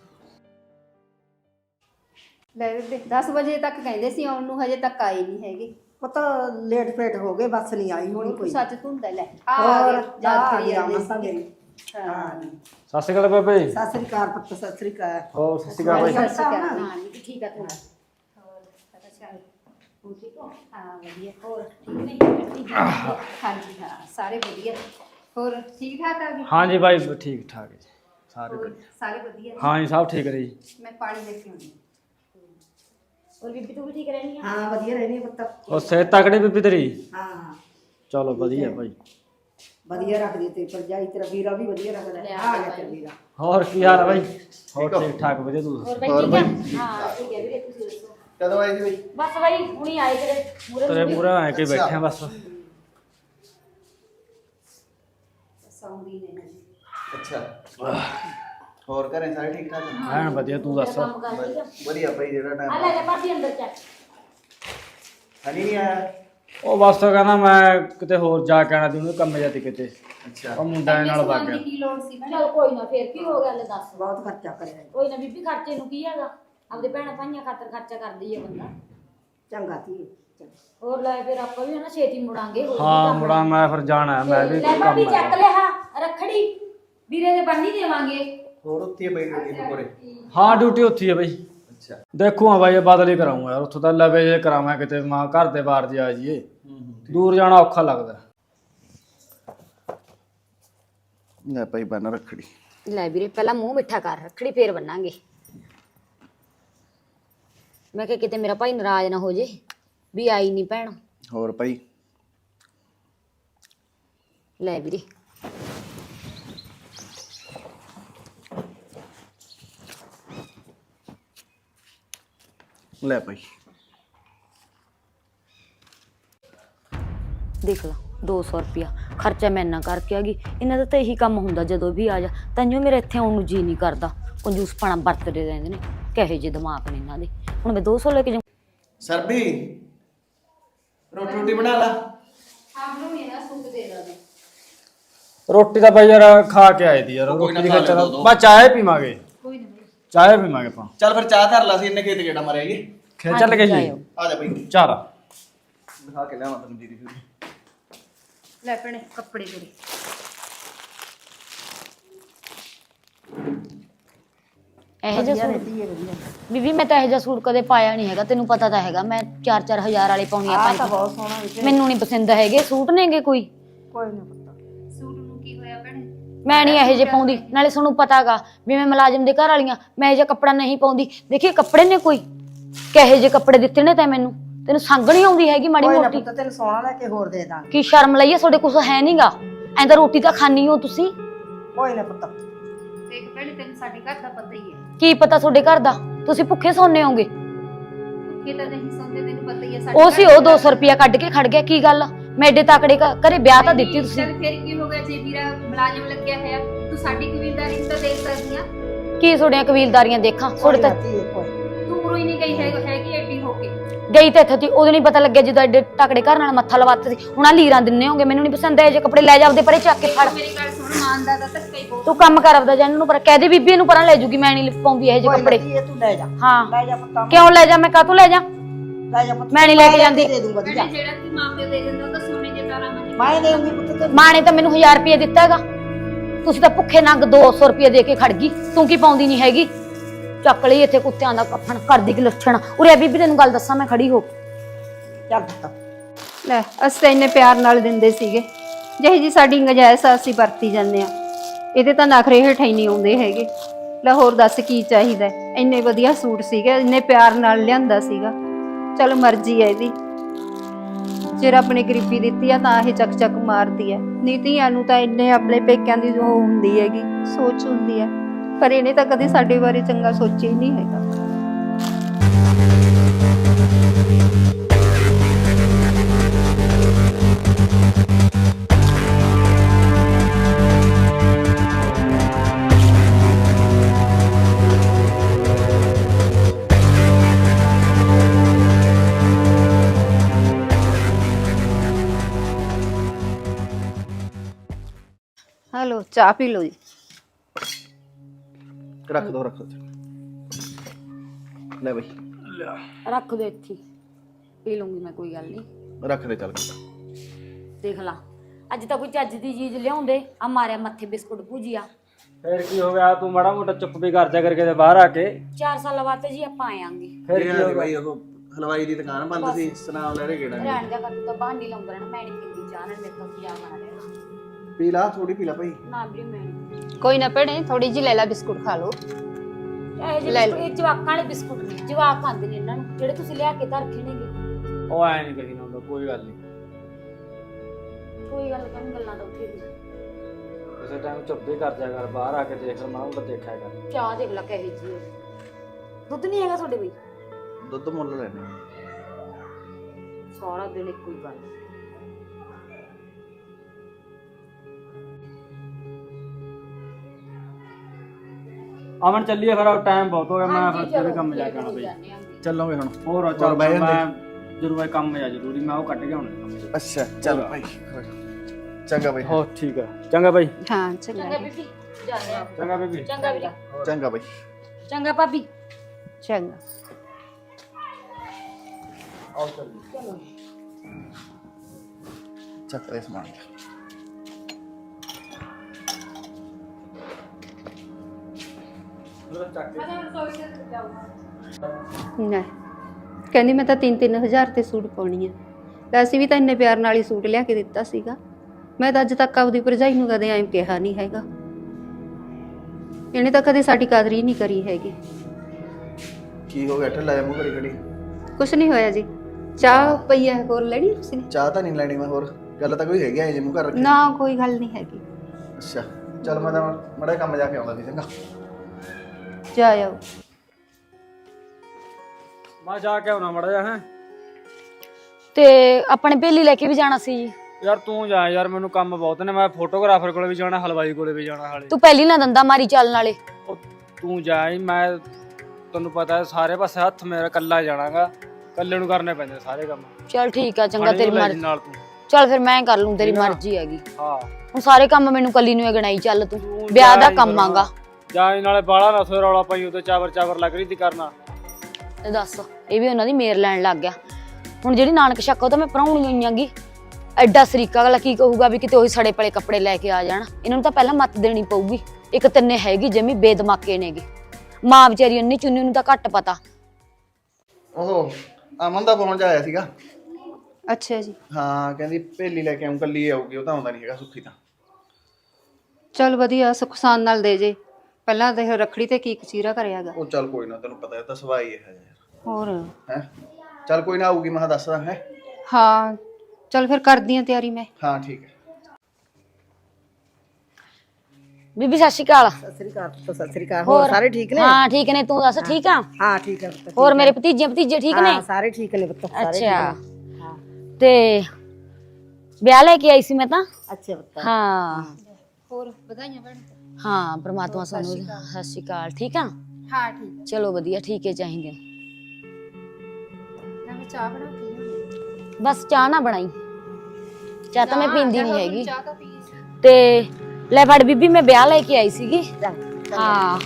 Speaker 4: ਲੈ ਬੇਬੇ ਦਸ ਵਜੇ ਤੱਕ ਕਹਿੰਦੇ ਸੀ ਆਉਣ ਨੂੰ, ਹਜੇ ਤੱਕ ਆਏ ਨਹੀਂ ਹੈਗੇ।
Speaker 3: ਪੁੱਤ ਲੇਟ ਫੇਟ ਹੋ ਗਏ, ਬੱਸ ਨਹੀਂ ਆਈ ਹੋਣੀ ਕੋਈ।
Speaker 4: ਸੱਚ ਧੁੰਦਾ ਲੈ
Speaker 3: ਹੋਰ
Speaker 4: ਯਾਦ
Speaker 3: ਜਾ
Speaker 4: ਕਰੀ
Speaker 3: ਗਿਆ
Speaker 4: ਜਾਂਦੇ
Speaker 3: ਮਸਾ
Speaker 4: ਸੀਗੇ।
Speaker 3: ਮੇਰੀ। ਹਾਂ
Speaker 2: ਸਤਿ ਸ਼੍ਰੀ ਅਕਾਲ ਬੇਬੇ।
Speaker 3: ਸਤਿ ਸ੍ਰੀ ਅਕਾਲ ਪੁੱਤ, ਸਤਿ ਸ੍ਰੀ ਅਕਾਲ।
Speaker 2: ਹੋਰ ਸਤਿ ਸ਼੍ਰੀ ਅਕਾਲ ਬਾਈ।
Speaker 4: ਸਤਿ ਸ਼੍ਰੀ ਅਕਾਲ।
Speaker 1: ਹਾਂ ਜੀ ਠੀਕ ਆ ਤੂੰ?
Speaker 4: ਹੋਰ ਸਤਿ ਸ਼੍ਰੀ ਅਕਾਲ।
Speaker 1: ਤੂੰ ਠੀਕ ਹੋ?
Speaker 4: ਹਾਂ ਵਧੀਆ।
Speaker 1: ਹੋਰ ਠੀਕ ਨਹੀਂ?
Speaker 4: ਹਾਂਜੀ ਹਾਂ ਸਾਰੇ ਵਧੀਆ। ਹੋਰ ਠੀਕ ਠਾਕ ਆ ਗਏ?
Speaker 2: ਹਾਂਜੀ ਬਾਈ ਠੀਕ ਠਾਕ ਜੀ, ਸਾਰੇ
Speaker 4: ਹੋਰ
Speaker 2: ਵਧੀਆ।
Speaker 4: ਸਾਰੇ ਵਧੀਆ ਨੇ?
Speaker 2: ਹਾਂ ਜੀ ਸਭ ਠੀਕ ਹੈ ਜੀ।
Speaker 4: ਮੈਂ ਪਾਣੀ ਲੈ ਕੇ ਆਉਂਦੀ
Speaker 1: ਹੋਰ ਬੀਬੀ ਤੂੰ ਵੀ ਠੀਕ ਰਹਿਣੀ ਆ?
Speaker 3: ਹਾਂ ਵਧੀਆ ਰਹਿਣੀ ਪੁੱਤ।
Speaker 2: ਉਹ ਸਿਹਤ ਤਕੜੀ ਬੀਬੀ ਤੇਰੀ?
Speaker 3: ਹਾਂ
Speaker 2: ਚਲੋ ਵਧੀਆ ਭਾਈ।
Speaker 3: ਵਧੀਆ ਰੱਖਦੀ ਤੇ ਭਰਜਾਈ, ਤੇਰਾ ਵੀਰਾ ਵੀ ਵਧੀਆ ਰੱਖਦਾ। ਆ ਗਿਆ ਤੇਰਾ ਵੀਰਾ।
Speaker 2: ਹੋਰ ਕੀ ਹਾਲ ਹੈ ਬਾਈ? ਹੋਰ ਠੀਕ ਠਾਕ ਵਧੀਆ, ਤੂੰ ਦੱਸ?
Speaker 1: ਹੋਰ ਬਾਈ ਠੀਕ ਆ? ਹਾਂ ਠੀਕ ਹੈ ਵੀਰੇ, ਤੁਸੀਂ ਦੱਸੋ?
Speaker 5: ਕਦੋਂ ਆਈ ਸੀ ਬਈ?
Speaker 1: ਬਸ ਬਾਈ ਹੁਣੀ ਆਏ ਤੇਰੇ ਮੂਰੇ
Speaker 2: ਤੇਰੇ ਮੂਹਰੇ ਆ ਕੇ ਬੈਠੇ ਆ ਬਸ।
Speaker 4: ਸੌਂਦੀ ਨੇ ਹਜੇ।
Speaker 5: ਅੱਛਾ ਹੋਰ ਘਰੇ ਸਾਰੇ ਠੀਕ ਠਾਕ?
Speaker 2: ਐਨ ਵਧੀਆ, ਤੂੰ ਦੱਸ?
Speaker 1: ਕੰਮ ਕਰ ਠੀਕ ਆ?
Speaker 5: ਵਧੀਆ ਭਾਈ ਜਿਹੜਾ
Speaker 1: ਆ
Speaker 5: ਟਾਈਮ
Speaker 1: ਲੈ ਜਾ ਪਾਸੀ ਅੰਦਰ ਚੱਕ।
Speaker 5: ਹਨੀ ਨਹੀਂ ਆਇਆ?
Speaker 2: ਉਹ ਬਸ ਉਹ ਕਹਿੰਦਾ ਮੈਂ ਕਿਤੇ ਹੋਰ ਜਾ ਕੇ ਆਣਾ ਦੀ ਉਹਨੂੰ ਕੰਮ ਜਾਂਦੀ ਕਿਤੇ।
Speaker 5: ਅੱਛਾ
Speaker 2: ਉਹ ਮੁੰਡਾ ਨਾਲ ਵਗ ਗਿਆ।
Speaker 4: ਕੀ ਲੋੜ ਸੀ ਭੈਣੇ?
Speaker 1: ਚਲ ਕੋਈ ਨਾ, ਫੇਰ ਕੀ ਹੋ ਗਿਆ ਲੈ ਦੱਸ।
Speaker 3: ਬਹੁਤ ਖਰਚਾ ਕਰਿਆ
Speaker 1: ਕੋਈ ਨਾ ਬੀਬੀ, ਖਰਚੇ ਨੂੰ ਕੀ ਹੈਗਾ, ਆਪਦੇ ਭੈਣਾਂ ਭਾਈਆਂ ਖਾਤਰ ਖਰਚਾ ਕਰਦੀ ਹੈ ਬੰਦਾ।
Speaker 3: ਚੰਗਾ ਧੀਏ ਚੰਗਾ।
Speaker 1: ਹੋਰ ਲੈ ਫਿਰ ਆਪਾਂ ਵੀ ਨਾ ਛੇਤੀ ਮੁੜਾਂਗੇ। ਹੋਰ ਵੀ
Speaker 2: ਹਾਂ
Speaker 1: ਕੰਮ
Speaker 2: ਮੁੜਾ ਮੈਂ ਫਿਰ ਜਾਣਾ ਮੈਂ ਵੀ
Speaker 1: ਲੈ ਭਾਬੀ ਚੱਕ ਲਿਆ ਰੱਖੜੀ, ਵੀਰੇ ਦੇ ਬੰਨੀ ਦੇਵਾਂਗੇ।
Speaker 5: ਹੋਰ ਉੱਥੇ ਬਈ ਡਿਊਟੀ ਪਕੋੜੇ।
Speaker 2: ਹਾਂ ਡਿਊਟੀ ਉੱਥੀ ਹੈ ਬਈ।
Speaker 5: ਅੱਛਾ
Speaker 2: ਦੇਖੂ ਹਾਂ ਬਾਈ ਇਹ ਬਦਲ ਹੀ ਕਰਾਉਂਗਾ ਯਾਰ, ਉੱਥੋਂ ਤਾਂ ਲਵੇ ਜੇ ਕਰਾਵਾਂ ਕਿਤੇ ਮਾਂ ਘਰ ਦੇ ਬਾਹਰ ਜੀ ਆ ਜਾਈਏ, ਦੂਰ ਜਾਣਾ ਔਖਾ ਲੱਗਦਾ।
Speaker 5: ਲੈ ਭਾਈ ਬੰਨ ਰੱਖੜੀ।
Speaker 1: ਲੈ ਵੀਰੇ ਪਹਿਲਾਂ ਮੂੰਹ ਮਿੱਠਾ ਕਰ, ਰੱਖੜੀ ਫੇਰ ਬੰਨਾਂਗੇ। ਮੈਂ ਕਿਹਾ ਕਿਤੇ ਮੇਰਾ ਭਾਈ ਨਾਰਾਜ਼ ਨਾ ਹੋ ਜੇ ਵੀ ਆਈ ਨਹੀਂ ਭੈਣ।
Speaker 5: ਹੋਰ ਭਾਈ
Speaker 1: ਲੈ ਵੀਰੇ
Speaker 5: ਲੈ ਭਾਈ
Speaker 1: ਦੇਖ ਲਾ ਦੋ ਸੌ ਰੁਪਿਆ ਖਰਚਾ ਮੈਂ ਇੰਨਾ ਕਰਕੇ ਆ ਗਈ। ਇਹਨਾਂ ਦਾ ਤਾਂ ਇਹੀ ਕੰਮ ਹੁੰਦਾ, ਜਦੋਂ ਵੀ ਆ ਜਾ ਤੈਨੂੰ ਮੇਰੇ ਇੱਥੇ ਆਉਣ ਨੂੰ ਜੀ ਨਹੀਂ ਕਰਦਾ। ਕੰਜੂਸਪਣਾ ਵਰਤਦੇ ਰਹਿੰਦੇ ਨੇ, ਕਹੇ ਜੇ ਦਿਮਾਗ ਨੇ ਇਹਨਾਂ ਦੇ। ਹੁਣ ਮੈਂ ਦੋ ਸੌ ਲੈ ਕੇ ਜਾਊਂ।
Speaker 5: ਸਰਬੀ ਰੋਟੀ ਰੋਟੀ ਬਣਾ ਲਾ।
Speaker 4: ਆਪ ਨੂੰ ਮੇਰਾ ਸੂਟ ਦੇ ਦੋ।
Speaker 2: ਰੋਟੀ ਤਾਂ ਬਾਈ ਯਾਰ ਖਾ ਕੇ ਆਏ ਦੀ ਯਾਰ, ਰੋਟੀ ਦੀ ਖਰਚਾ ਬਸ ਚਾਹ ਪੀਵਾਂਗੇ।
Speaker 4: ਕੋਈ ਨਾ ਬਈ,
Speaker 2: ਚਾਹ ਪੀਵਾਂਗੇ ਆਪਾਂ।
Speaker 5: ਚੱਲ ਫਿਰ ਚਾਹ ਧਰ ਲਾ ਸੀ, ਇਹਨੇ ਖੇਤ ਗੇੜਾ ਮਾਰਿਆਗੇ।
Speaker 2: ਖੇਤ ਚੱਲ ਗਏ ਜੀ।
Speaker 5: ਆ ਜਾ ਭਾਈ
Speaker 2: ਚਾਰ
Speaker 5: ਦਿਖਾ ਕੇ ਲਿਆਵਾਂ ਤੈਨੂੰ ਦੀਦੀ ਫਿਰ।
Speaker 4: ਲੈ ਭੈਣੇ ਕੱਪੜੇ ਤੇਰੇ।
Speaker 1: ਇਹੋ ਜਿਹਾ ਸੂਟ ਬੀਬੀ ਮੈਂ ਤਾਂ ਇਹੋ ਜਿਹਾ ਸੂਟ ਕਦੇ ਪਾਇਆ ਨਹੀਂ ਹੈਗਾ, ਤੈਨੂੰ ਪਤਾ ਤਾਂ ਹੈਗਾ ਮੈਂ ਚਾਰ ਚਾਰ ਹਜ਼ਾਰ ਵਾਲੇ ਪਾਉਣੀ ਆ। ਪੰਜ
Speaker 3: ਬਹੁਤ ਸੋਹਣਾ ਵਿੱਚ
Speaker 1: ਮੈਨੂੰ ਨਹੀਂ ਪਸੰਦ ਹੈਗੇ ਸੂਟ ਨੇਗੇ ਕੋਈ।
Speaker 3: ਕੋਈ ਨਾ ਪੁੱਤ।
Speaker 4: ਸੂਟ ਨੂੰ ਕੀ ਹੋਇਆ ਭੈਣੇ?
Speaker 1: ਮੈਂ ਨਹੀਂ ਇਹੋ ਜਿਹੇ ਪਾਉਂਦੀ, ਨਾਲੇ ਤੁਹਾਨੂੰ ਪਤਾਗਾ ਵੀ ਮੈਂ ਮੁਲਾਜ਼ਮ ਦੇ ਘਰ ਵਾਲੀਆਂ, ਮੈਂ ਇਹੋ ਜਿਹਾ ਕੱਪੜਾ ਨਹੀਂ ਪਾਉਂਦੀ। ਦੇਖੀ ਕੱਪੜੇ ਨੇ ਕੋਈ ਕਿਹੋ ਜਿਹੇ ਕੱਪੜੇ ਦਿੱਤੇ ਨੇ ਤੈਂ ਮੈਨੂੰ, ਤੈਨੂੰ ਸੰਗ ਨਹੀਂ ਆਉਂਦੀ ਹੈਗੀ ਮਾੜੀ
Speaker 3: ਕੋਈ ਨਾ
Speaker 1: ਮੋਟੀ?
Speaker 3: ਪੁੱਤ ਤੈਨੂੰ ਸੋਹਣਾ ਲੈ ਕੇ ਹੋਰ ਦੇ ਦਾਂਗੇ।
Speaker 1: ਕੀ ਸ਼ਰਮ ਲਈਏ, ਤੁਹਾਡੇ ਕੁਛ ਹੈ ਨਹੀਂਗਾ। ਐਂ ਤਾਂ ਰੋਟੀ ਤਾਂ ਖਾਣੀ ਹੋ ਤੁਸੀਂ।
Speaker 3: ਕੋਈ ਨਾ ਪੁੱਤ।
Speaker 4: ਦੇਖ ਭੈਣੇ ਤੈਨੂੰ ਸਾਡੇ ਘਰ ਦਾ ਪਤਾ ਹੀ ਹੈ।
Speaker 1: ਕੀ ਪਤਾ ਤੁਹਾਡੇ ਘਰ ਦਾ, ਤੁਸੀਂ ਭੁੱਖੇ ਸੌਂਦੇ ਹੋਗੇ।
Speaker 4: ਭੁੱਖੇ ਤਾਂ ਨਹੀਂ ਸੌਂਦੇ, ਤੈਨੂੰ ਪਤਾ ਹੀ ਹੈ ਸਾਡੇ
Speaker 1: ਉਹ ਸੀ ਉਹ ਦੋ ਸੌ ਰੁਪਇਆ ਕੱਢ ਕੇ ਖੜ ਗਿਆ, ਕੀ ਗੱਲ ਮੈਂ ਏਡੇ ਤਾਕੜੇ ਘ- ਘਰੇ ਵਿਆਹ ਤਾਂ ਦਿੱਤੀ ਤੁਸੀਂ।
Speaker 4: ਚੱਲ ਫਿਰ ਕੀ ਹੋ ਗਿਆ ਜੇ ਵੀਰਾ ਮੁਲਾਜ਼ਮ ਲੱਗਿਆ ਹੋਇਆ, ਤੂੰ ਸਾਡੀ ਕਬੀਲਦਾਰੀ ਤਾਂ ਦੇਖ ਸਕਦੀ ਆ।
Speaker 1: ਕੀ ਤੁਹਾਡੀਆਂ ਕਬੀਲਦਾਰੀਆਂ ਦੇਖਾਂ ਤੁਹਾਡੇ ਤਾਂ।
Speaker 3: ਧੀਏ ਕੋਈ
Speaker 4: ਤੂੰ ਉਰੋਂ ਹੀ ਨਹੀਂ ਗਈ ਹੈ ਹੈਗੀ ਐਡੀ ਹੋ ਕੇ।
Speaker 1: ਗਈ ਤਾਂ ਇੱਥੋਂ ਤੀ, ਉਦੋਂ ਨਹੀਂ ਪਤਾ ਲੱਗਿਆ ਜਦੋਂ ਐਡੇ ਤਾਕੜੇ ਘਰ ਨਾਲ ਮੱਥਾ ਲਵਾਤਾ ਸੀ। ਹੁਣ ਆ ਲੀਰਾਂ ਦਿੰਨੇ ਹੋਗੇ, ਮੈਨੂੰ ਨਹੀਂ ਪਸੰਦ ਇਹ ਜੇ ਕੱਪੜੇ। ਲੈ ਜਾ ਆਪਦੇ ਪਰੇ ਚੱਕ ਕੇ ਫੜ।
Speaker 4: ਮੇਰੀ ਗੱਲ ਸੁਣ, ਮਾਨਦਾ ਦਾ ਧੱਕਾ ਹੀ ਬਹੁਤ।
Speaker 1: ਤੂੰ ਕੰਮ ਕਰ ਆਪਦਾ, ਜਾਨ ਨੂੰ ਪਰ ਕਹਿ ਦੇ ਬੀਬੀ ਨੂੰ ਪਰਾਂ ਲੈ ਜੂਗੀ, ਮੈਂ ਨਹੀਂ ਪਾਉਂਦੀ ਇਹ ਜੇ
Speaker 3: ਕੋਈ ਨਾ
Speaker 1: ਕੱਪੜੇ।
Speaker 3: ਧੀਏ ਤੂੰ ਲੈ ਜਾ।
Speaker 1: ਹਾਂ
Speaker 3: ਲੈ ਜਾ ਪੁੱਤ।
Speaker 1: ਕਿਉਂ ਲੈ ਜਾ, ਮੈਂ ਕਾਹਤੋਂ ਲੈ ਜਾ?
Speaker 3: ਲੈ ਜਾ ਪੁੱਤ।
Speaker 1: ਮੈਂ ਨਹੀਂ ਲੈ ਕੇ ਜਾਂਦੀ।
Speaker 3: ਦੇ ਦੂੰ ਵਧੀਆ।
Speaker 4: ਭੈਣੇ ਜਿਹੜਾ ਕਿ ਮਾਪਿਓ ਦੇ ਦਿੰਦਾ ਉਹ ਤਾਂ ਸੋਨੇ ਦੇ ਤਾਰਾਂ ਵਾਂਗ।
Speaker 3: ਮੈਂ ਦੇਉਂਗੀ ਪੁੱਤ ਤੇ।
Speaker 1: ਮਾਂ ਨੇ ਤਾਂ ਮੈਨੂੰ ਹਜ਼ਾਰ ਰੁਪਏ ਦਿੱਤਾ ਹੈਗਾ, ਤੁਸੀਂ ਤਾਂ ਭੁੱਖੇ ਨੰਗ ਦੋ ਸੌ ਰੁਪਏ ਦੇ ਕੇ ਖੜ ਗਈ। ਤੂੰ ਕੀ ਪਾਉਂਦੀ ਨਹੀਂ ਹੈਗੀ? ਚੱਕ ਲਈ ਇੱਥੇ ਕੁੱਤਿਆਂ ਦਾ ਕੱਫਣ, ਕਰਦੀ ਕਿ ਲੱਛਣ। ਉਰੇ ਬੀਬੀ ਤੈਨੂੰ ਗੱਲ ਦੱਸਾਂ, ਮੈਂ ਖੜੀ ਹੋ।
Speaker 3: ਚੱਲ ਪੁੱਤ।
Speaker 4: ਲੈ ਅਸੀਂ ਤਾਂ ਇੰਨੇ ਪਿਆਰ ਨਾਲ ਦਿੰਦੇ ਸੀਗੇ, ਜਿਹੀ ਜੀ ਸਾਡੀ ਗੁੰਜਾਇਸ਼ ਆ ਅਸੀਂ ਵਰਤੀ ਜਾਂਦੇ ਆ। ਇਹਦੇ ਤਾਂ ਨਖਰੇ ਹੇਠ ਹੀ ਨਹੀਂ ਆਉਂਦੇ ਹੈਗੇ। ਲੈ ਹੋਰ ਦੱਸ ਕੀ ਚਾਹੀਦਾ? ਇੰਨੇ ਵਧੀਆ ਸੂਟ ਸੀਗੇ, ਇੰਨੇ ਪਿਆਰ ਨਾਲ ਲਿਆਂਦਾ ਸੀਗਾ। ਚਲ ਮਰਜ਼ੀ ਹੈ ਇਹਦੀ, ਜੇ ਰੱਬ ਨੇ ਗਰੀਬੀ ਦਿੱਤੀ ਆ ਤਾਂ ਇਹ ਚੱਕ ਚੱਕ ਮਾਰਦੀ ਹੈ। ਨੀਤੀਆਂ ਨੂੰ ਤਾਂ ਇੰਨੇ ਆਪਣੇ ਪੇਕਿਆਂ ਦੀ ਜੋ ਹੁੰਦੀ ਹੈਗੀ ਸੋਚ ਹੁੰਦੀ ਹੈ, ਪਰ ਇਹਨੇ ਤਾਂ ਕਦੇ ਸਾਡੇ ਬਾਰੇ ਚੰਗਾ ਸੋਚਿਆ ਹੀ ਨਹੀਂ ਹੈਗਾ। हेलो चाह पी लो जी।
Speaker 5: ਰੱਖ ਦੋ ਰੱਖ ਦੋ ਲੈ ਬਈ
Speaker 1: ਰੱਖ ਦੇ ਇੱਥੇ, ਪੀ ਲੂੰਗੀ ਮੈਂ, ਕੋਈ ਗੱਲ ਨਹੀਂ।
Speaker 5: ਰੱਖ ਦੇ ਚੱਲ।
Speaker 1: ਦੇਖ ਲਾ ਅੱਜ ਤਾਂ ਕੋਈ ਚੱਜ ਦੀ ਚੀਜ਼ ਲਿਆਉਂਦੇ, ਆ ਮਾਰਿਆ ਮੱਥੇ ਬਿਸਕੁਟ ਭੁਜੀਆ।
Speaker 2: ਫਿਰ ਕੀ ਹੋ ਗਿਆ? ਤੂੰ ਮਾੜਾ ਮੋਟਾ ਚੁੱਪ ਵੀ ਕਰ ਜਾ ਕਰਕੇ ਤੇ ਬਾਹਰ ਆ ਕੇ।
Speaker 1: ਚਾਰ ਸਾਲ ਬਾਅਦ ਤੇ ਜੀ ਆਪਾਂ ਆਏਾਂਗੇ।
Speaker 2: ਫਿਰ
Speaker 5: ਇਹ
Speaker 2: ਕੀ ਹੋ
Speaker 5: ਆ
Speaker 2: ਗਿਆ?
Speaker 5: ਬਈ ਉਹ ਹਲਵਾਈ ਦੀ ਦੁਕਾਨ ਬੰਦ ਸੀ, ਸੁਨਾਮ ਲੈ ਰੇ ਗੇੜਾ।
Speaker 1: ਰਹਿਣ ਦਾ ਕਰ ਤਾਂ ਬਾਹਰ ਨਹੀਂ ਲਾਉਂਦਾ ਰਹਿਣਾ, ਮੈਂ ਨਹੀਂ ਪੀਂਦੀ ਚਾਹ ਨਾਲ, ਮੇਰੇ ਤੋਂ ਕੀ ਆ ਬਣਾ ਲੈਣਾ।
Speaker 5: ਪੀ ਲਾ ਥੋੜੀ ਪੀ ਲਾ ਭਾਈ।
Speaker 1: ਨਾ ਵੀਰੇ ਮੈਂ ਨਹੀਂ।
Speaker 4: कोई ना भैने थोड़ी जी ले ला बिस्कुट खा लो।
Speaker 1: ਇਹ ਜਿਹੇ ਬਿਸਕੁਟ, ਇਹ ਜਵਾਕਾਂ ਵਾਲੇ ਬਿਸਕੁਟ ਨੇ, ਜਵਾਕ ਖਾਂਦੇ ਨੇ ਇਹਨਾਂ ਨੂੰ, ਜਿਹੜੇ ਤੁਸੀਂ ਲਿਆ ਕੇ ਧਰ ਰੱਖੇ ਨੇਗੇ।
Speaker 2: ਉਹ ਐ ਨਹੀਂ ਕਹੀ ਨਾ ਹੁੰਦਾ, ਕੋਈ ਗੱਲ ਨਹੀਂ।
Speaker 1: ਕੋਈ ਗੱਲ ਕਰਨ ਗੱਲਾਂ ਤਾਂ ਉੱਥੇ ਵੀ।
Speaker 2: ਕਿਸੇ ਟਾਈਮ ਚੁੱਪ ਵੀ ਕਰ ਜਾ ਕਰ, ਬਾਹਰ ਆ ਕੇ ਦੇਖ ਲੈ, ਮਾੜਾ ਮੋਟਾ ਦੇਖਿਆ ਕਰ।
Speaker 1: ਚਾਹ ਦੇਖ ਲਾ ਕਹੇ ਜੀ। ਦੁੱਧ ਨਹੀਂ ਹੈਗਾ ਤੁਹਾਡੇ ਬਈ?
Speaker 5: ਦੁੱਧ ਮੁੱਲ ਲੈਣਾ।
Speaker 1: ਸਾਰਾ ਦਿਨ ਇੱਕੋ ਹੀ ਗੱਲ।
Speaker 2: ਅਮਨ ਚੱਲੀਏ ਫਿਰ, ਟਾਈਮ ਬਹੁਤ ਹੋ ਗਿਆ, ਮੈਂ ਫਿਰ ਤੇਰੇ ਕੰਮ ਜਾ ਕੇ ਆਉਣਾ ਬਈ।
Speaker 5: ਚੱਲੋਗੇ ਹੁਣ।
Speaker 2: ਹੋਰ
Speaker 5: ਹੋਰ
Speaker 2: ਚੱਲ
Speaker 5: ਬਹਿ ਜਾਂਦੇ।
Speaker 2: ਮੈਂ ਜ਼ਰੂਰ ਇਹ ਕੰਮ ਆ ਜ਼ਰੂਰੀ ਮੈਂ ਉਹ ਕੱਢ ਕੇ ਆਉਣਾ ਕੰਮ ਚ।
Speaker 5: ਅੱਛਾ ਚੱਲ ਭਾਈ ਚੰਗਾ ਭਾਈ
Speaker 2: ਹੋ ਠੀਕ ਆ ਚੰਗਾ ਬਾਈ
Speaker 4: ਹਾਂ ਚੰਗਾ
Speaker 1: ਬੀਬੀ ਜਾਂਦੇ ਆ
Speaker 2: ਚੰਗਾ ਬੀਬੀ
Speaker 1: ਚੰਗਾ ਵੀਰੇ
Speaker 5: ਚੰਗਾ ਭਾਈ
Speaker 1: ਚੰਗਾ ਭਾਬੀ
Speaker 4: ਚੰਗਾ
Speaker 2: ਆਓ ਚੱਲ
Speaker 5: ਚੱਕ ਦੇ ਸਮਾਨ
Speaker 4: ਨਾ ਕਹਿੰਦੀ ਮੈਂ ਤਾਂ ਤਿੰਨ ਤਿੰਨ ਹਜ਼ਾਰ ਤੇ ਸੂਟ ਪਾਉਣੀ ਆ ਤਾਂ ਅਸੀਂ ਵੀ ਤਾਂ ਇੰਨੇ ਪਿਆਰ ਨਾਲ ਹੀ ਸੂਟ ਲਿਆ ਕੇ ਦਿੱਤਾ ਸੀਗਾ ਮੈਂ ਤਾਂ ਅੱਜ ਤੱਕ ਆਪਦੀ ਭਰਜਾਈ ਨੂੰ ਕਦੇ ਐਂ ਕਿਹਾ ਨਹੀਂ ਹੈਗਾ ਇਹਨੇ ਤਾਂ ਕਦੇ ਸਾਡੀ ਕਦਰ ਹੀ ਨਹੀਂ ਕਰੀ ਹੈਗੀ
Speaker 5: ਕੀ ਹੋ ਗਿਆ ਢਿੱਲਾ ਜਿਹਾ ਮੂੰਹ ਕਰੀ ਖੜੀ
Speaker 4: ਕੁਛ ਨਹੀਂ ਹੋਇਆ ਜੀ ਚਾਹ ਪਈ ਹੈ ਹੋਰ ਲੈਣੀ ਤੁਸੀਂ
Speaker 5: ਚਾਹ ਤਾਂ ਨਹੀਂ ਲੈਣੀ ਮੈਂ ਹੋਰ ਗੱਲ ਤਾਂ ਕੋਈ ਹੈਗੀ ਐ ਜੇ ਮੂੰਹ ਕਰ ਰੱਖੀ
Speaker 4: ਨਾ ਕੋਈ ਗੱਲ ਨਹੀਂ ਹੈਗੀ
Speaker 5: ਅੱਛਾ ਚੱਲ ਮੈਂ ਤਾਂ ਮੜਾ ਕੰਮ ਜਾ ਕੇ ਆਉਂਦਾ ਸੀ ਚੰਗਾ
Speaker 4: ਜਾ ਆਓ
Speaker 2: ਮੈਂ ਜਾ ਕੇ ਆਉਣਾ ਮੜਾ ਜਾ ਹੈ
Speaker 1: ਤੇ ਆਪਣੇ ਭੇਲੀ ਲੈ ਕੇ ਵੀ ਜਾਣਾ ਸੀ ਜੀ
Speaker 2: ਯਾਰ ਤੂੰ ਜਾ ਯਾਰ ਮੈਨੂੰ ਕੰਮ ਬਹੁਤ ਨੇ ਮੈਂ ਫੋਟੋਗ੍ਰਾਫਰ ਕੋਲੇ ਵੀ ਜਾਣਾ ਹਲਵਾਈ ਕੋਲੇ ਵੀ ਜਾਣਾ ਹਾਲੇ
Speaker 1: ਤੂੰ ਪਹਿਲੀ ਨਾ ਦੰਦਾ ਮਾਰੀ ਚੱਲਣ ਵਾਲੇ
Speaker 2: ਉਹ ਤੂੰ ਜਾਈ ਮੈਂ ਤੈਨੂੰ ਪਤਾ ਸਾਰੇ ਪਾਸੇ ਹੱਥ ਮੇਰਾ ਕੱਲਾ ਜਾਣਾਗਾ ਕੱਲੇ ਨੂੰ ਕਰਨੇ ਪੈਂਦੇ ਸਾਰੇ ਕੰਮ
Speaker 1: ਚੱਲ ਠੀਕ ਆ ਚੰਗਾ ਤੇਰੀ ਮਰਜ਼ੀ
Speaker 2: ਨਾਲ ਤੂੰ
Speaker 1: ਚੱਲ ਫਿਰ ਮੈਂ ਕਰ ਲੂੰ ਤੇਰੀ ਮਰਜ਼ੀ ਹੈਗੀ
Speaker 2: ਹਾਂ
Speaker 1: ਹੁਣ ਸਾਰੇ ਕੰਮ ਮੈਨੂੰ ਕੱਲੀ ਨੂੰ ਗਣਾਈ ਚੱਲ ਤੂੰ ਵਿਆਹ ਦਾ ਕੰਮ ਆਗਾ
Speaker 2: ਜਾਈ ਨਾਲੇ ਬਾਲਾ ਨਾ ਸੋ ਰੌਲਾ ਪਈ ਉਤੇ ਚਾਵਰ ਚਾਵਰ ਲੱਗ ਰਹੀ ਸੀ ਕਰਨਾ
Speaker 1: ਤੇ ਦੱਸ ਇਹ ਵੀ ਉਹਨਾਂ ਦੀ ਮੇਰ ਲੈਣ ਲੱਗ ਗਿਆ ਹੁਣ ਜਿਹੜੀ ਨਾਨਕ ਸ਼ੱਕ ਉਹ ਤਾਂ ਮੈਂ ਪਰਾਉਣੀ ਹੋਈਆਂਗੀ ਐਡਾ ਸਰੀਕਾ ਅਗਲਾ ਕੀ ਕਹੂਗਾ ਵੀ ਕਿਤੇ ਉਹੀ ਸੜੇ ਪਲੇ ਕੱਪੜੇ ਲੈ ਕੇ ਆ ਜਾਣ ਇਹਨਾਂ ਨੂੰ ਤਾਂ ਪਹਿਲਾਂ ਮੱਤ ਦੇਣੀ ਪਊਗੀ ਇੱਕ ਤਿੰਨੇ ਹੈਗੀ ਜਮੀ ਬੇਦਮਾਕੇ ਨੇਗੇ ਮਾਂ ਵਿਚਾਰੀ ਅੰਨੀ ਚੁੰਨੀ ਨੂੰ ਤਾਂ ਘੱਟ ਪਤਾ
Speaker 5: ਉਹ ਅਮਨ ਦਾ ਫੋਨ ਆਇਆ ਸੀਗਾ
Speaker 4: ਅੱਛਾ ਜੀ
Speaker 5: ਹਾਂ ਕਹਿੰਦੀ ਭੇਲੀ ਲੈ ਕੇ ਆਉਂ ਕੱਲੀ ਆਊਗੀ ਉਹ ਤਾਂ ਆਉਂਦਾ ਨਹੀਂ ਹੈਗਾ ਸੁੱਖੀ ਤਾਂ
Speaker 4: ਚਲ ਵਧੀਆ ਸੁਖਸਾਨ ਨਾਲ ਦੇ ਜੇ ਪਹਿਲਾਂ ਤੇ ਰੱਖੜੀ ਤੇ ਕੀ ਕਚੀਰਾ ਕਰਿਆਗਾ
Speaker 5: ਉਹ ਚੱਲ ਕੋਈ ਨਾ ਤੈਨੂੰ ਪਤਾ ਹੈ ਤਾਂ ਸਵਾਈ ਹੈ ਯਾਰ
Speaker 4: ਹੋਰ
Speaker 5: ਹੈ ਚੱਲ ਕੋਈ ਨਾ ਆਊਗੀ ਮੈਂ ਕਿਹਾ ਦੱਸਦਾ ਹੈ
Speaker 4: ਹਾਂ ਚਲ ਫਿਰ ਕਰਦੀ ਆ ਤਿਆਰੀ ਮੈਂ
Speaker 5: ਹਾਂ ਠੀਕ ਹੈ
Speaker 1: ਬੀਬੀ ਸਤਿ ਸ਼੍ਰੀ ਅਕਾਲ
Speaker 3: ਸਤਿ ਸ੍ਰੀ ਅਕਾਲ ਪੁੱਤ, ਸਤਿ ਸ੍ਰੀ ਅਕਾਲ ਹੋਰ ਸਾਰੇ ਠੀਕ ਨੇ
Speaker 1: ਹਾਂ ਠੀਕ ਨੇ ਤੂੰ ਦੱਸ ਠੀਕ ਆ
Speaker 3: ਹਾਂ ਠੀਕ ਹੈ ਪੁੱਤ
Speaker 1: ਹੋਰ ਮੇਰੇ ਭਤੀਜੇ ਭਤੀਜੇ ਠੀਕ ਨੇ
Speaker 3: ਹਾਂ ਸਾਰੇ ਠੀਕ ਨੇ ਪੁੱਤ ਸਾਰੇ ਠੀਕ
Speaker 1: ਅੱਛਾ
Speaker 3: ਨੇ। ਹਾਂ
Speaker 1: ਤੇ ਵਿਆਹ ਲੈ ਕੇ ਆਈ ਸੀ ਮੈਂ ਤਾਂ
Speaker 3: ਅੱਛਾ ਪੁੱਤ
Speaker 1: ਹਾਂ
Speaker 4: ਹੋਰ ਵਧਾਈਆਂ ਭੈਣ
Speaker 1: ਹਾਂ ਪ੍ਰਮਾਤਮਾ ਸਾਨੂੰ ਸਤਿ ਸ਼੍ਰੀ ਅਕਾਲ ਠੀਕ ਆ
Speaker 4: ਹਾਂ ਠੀਕ
Speaker 1: ਚਲੋ ਵਧੀਆ ਠੀਕ ਹੈ ਚਾਹੀਦੇ
Speaker 4: ਨਾ ਮੈਂ ਚਾਹ ਬਣਾ ਕੇ ਲਿਆਉਣੀ
Speaker 1: ਬਸ ਚਾਹ ਨਾ ਬਣਾਈ ਚਾਹ ਤਾਂ ਮੈਂ ਪੀਂਦੀ ਨਹੀਂ ਹੈਗੀ
Speaker 4: ਚਾਹ ਤਾਂ ਪੀ
Speaker 1: ਤੇ ਲੈ ਫੜ ਬੀਬੀ ਮੈਂ ਵਿਆਹ ਲੈ ਕੇ ਆਈ ਸੀਗੀ ਹਾਂ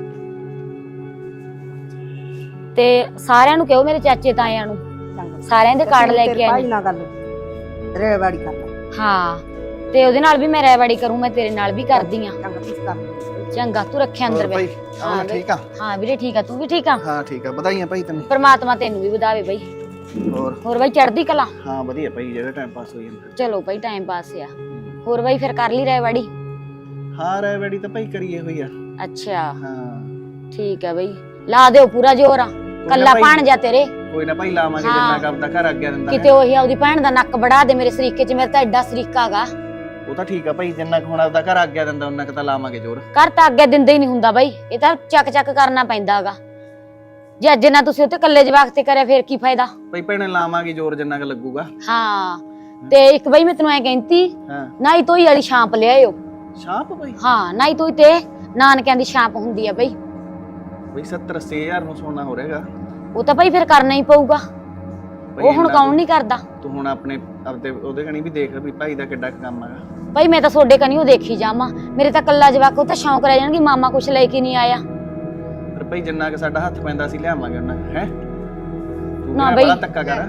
Speaker 1: ਤੇ ਸਾਰਿਆਂ ਨੂੰ ਕਹੋ ਮੇਰੇ ਚਾਚੇ ਤਾਇਆਂ ਨੂੰ ਸਾਰਿਆਂ ਦੇ ਕਾਰਡ ਲੈ ਕੇ ਆਈ
Speaker 3: ਭਾਈ ਨਾਲ ਗੱਲ ਰੇਵਾੜੀ ਕਰ ਲੈ
Speaker 1: ਹਾਂ ਤੇ ਉਹਦੇ ਨਾਲ ਵੀ ਮੈਂ ਰੈਵਾੜੀ ਕਰੂੰ ਮੈਂ ਤੇਰੇ ਨਾਲ ਵੀ ਕਰਦੀ ਆ
Speaker 3: ਚੰਗਾ ਤੁਸੀਂ ਕਰ ਲਓ।
Speaker 1: ਚੰਗਾ ਤੂੰ ਰੱਖਿਆ ਅੰਦਰ
Speaker 5: ਹੋਰ ਭਾਈ
Speaker 1: ਬਈ
Speaker 5: ਹਾਂ ਠੀਕ ਆ
Speaker 1: ਹਾਂ ਵੀਰੇ ਠੀਕ ਆ ਤੂੰ ਵੀ ਠੀਕ ਆ
Speaker 5: ਹਾਂ ਠੀਕ ਆ ਵਧਾਈਆਂ ਭਾਈ ਤੈਨੂੰ
Speaker 1: ਪਰਮਾਤਮਾ ਤੈਨੂੰ ਵੀ ਵਧਾਵੇ ਬਈ
Speaker 5: ਹੋਰ
Speaker 1: ਹੋਰ ਬਈ ਚੜ੍ਹਦੀ ਕਲਾ
Speaker 5: ਹਾਂ ਵਧੀਆ ਭਾਈ ਜਿਹੜਾ ਟਾਈਮ ਪਾਸ ਹੋ ਜਾਂਦਾ
Speaker 1: ਚਲੋ ਬਈ ਟਾਈਮ ਪਾਸ ਆ ਹੋਰ ਬਈ ਫਿਰ ਕਰ ਲਈ ਰੈਵਾੜੀ
Speaker 5: ਹਾਂ ਰੈਵੜੀ ਤਾਂ ਭਾਈ ਕਰੀਏ ਹੋਈ ਆ
Speaker 1: ਅੱਛਾ
Speaker 5: ਹਾਂ
Speaker 1: ਠੀਕ ਆ ਬਈ ਲਾ ਦਿਓ ਪੂਰਾ ਜ਼ੋਰ ਆ ਕੱਲਾ
Speaker 5: ਭਾਈ।
Speaker 1: ਪਾਣ ਜਾ ਤੇਰੇ
Speaker 5: ਕੋਈ ਨਾ ਭਾਈ ਲਾਵਾਂਗੇ ਜਿੰਨਾ ਕੰਮ ਦਾ ਘਰ ਅੱਗੇ ਦਿੰਦਾ
Speaker 1: ਕਿਤੇ ਉਹੀ ਆਪਦੀ ਭੈਣ ਦਾ ਨੱਕ ਵੜਾ ਦੇ ਮੇਰੇ ਸਰੀਕੇ 'ਚ ਮੇਰਾ ਤਾਂ ਐਡਾ ਸਰੀਕਾ ਗਾ
Speaker 5: ਉਹ ਤਾਂ ਠੀਕ ਆ ਭਾਈ ਜਿੰਨਾ ਕੁ ਹੁਣ ਆਪਦਾ ਘਰ ਆਗਿਆ ਦਿੰਦਾ ਉਹਨਾਂ ਕੁ ਤਾਂ ਲਾਵਾਂਗੇ ਜ਼ੋਰ
Speaker 1: ਘਰ ਤਾਂ ਅੱਗੇ ਦਿੰਦੇ ਹੀ ਨਹੀਂ ਹੁੰਦਾ ਬਾਈ ਇਹ ਤਾਂ ਚੱਕ ਚੱਕ ਕਰਨਾ ਪੈਂਦਾਗਾ ਜੇ ਅੱਜ ਨਾ ਤੁਸੀਂ ਉੱਤੇ ਕੱਲੇ ਜਵਾਕ ਤੇ ਕਰਿਆ ਫੇਰ ਕੀ ਫਾਇਦਾ
Speaker 5: ਭਾਈ ਭੈਣੇ ਲਾਵਾਂਗੇ ਜ਼ੋਰ ਜਿੰਨਾ ਕੁ ਲੱਗੂਗਾ
Speaker 1: ਹਾਂ ਤੇ ਇੱਕ ਬਾਈ ਮੈਂ ਤੈਨੂੰ ਐ ਕਹਿੰਦੀ
Speaker 5: ਹਾਂ
Speaker 1: ਨਾਈ ਤੋਈ ਵਾਲੀ ਛਾਂਪ ਲਿਆਇਓ
Speaker 5: ਸ਼ਾਪ ਭਾਈ
Speaker 1: ਹਾਂ ਨਾਈ ਤੋਈ ਤੇ ਨਾਨਕਿਆਂ ਦੀ ਛਾਂਪ ਹੁੰਦੀ ਆ ਬਈ
Speaker 5: ਭਾਈ ਸੱਤਰ ਅੱਸੀ ਹਜ਼ਾਰ ਨੂੰ ਸੋਨਾ ਹੋ ਰਹੇਗਾ
Speaker 1: ਉਹ ਤਾਂ ਬਾਈ ਫਿਰ ਕਰਨਾ ਹੀ ਪਊਗਾ ਉਹ ਹੁਣ ਕੌਣ ਨਹੀਂ ਕਰਦਾ
Speaker 5: ਤੂੰ ਹੁਣ ਆਪਣੇ ਆਪਦੇ ਉਹਦੇ ਕਣੀ ਵੀ ਦੇਖ ਵੀ ਭਾਈ ਦਾ ਕਿੱਡਾ ਕੁ ਕੰਮ ਹੈਗਾ
Speaker 1: ਬਾਈ ਮੈਂ ਤਾਂ ਤੁਹਾਡੇ ਕਨੀ ਉਹ ਦੇਖੀ ਜਾਵਾਂ ਮੇਰੇ ਤਾਂ ਕੱਲਾ ਜਵਾਕ ਉਹ ਤਾਂ ਸ਼ੌਂਕ ਰਹਿ ਜਾਣਗੇ ਮਾਮਾ ਕੁਛ ਲੈ ਕੇ ਨਹੀਂ ਆਇਆ
Speaker 5: ਪਰ ਭਾਈ ਜਿੰਨਾ ਕਿ ਸਾਡਾ ਹੱਥ ਪੈਂਦਾ ਸੀ ਲਿਆਵਾਂਗੇ ਉਹਨਾਂ ਹੈ ਤੂੰ
Speaker 1: ਨਾ
Speaker 5: ਨਾ
Speaker 1: ਬਈ।
Speaker 5: ਬੜਾ ਧੱਕਾ ਕਰ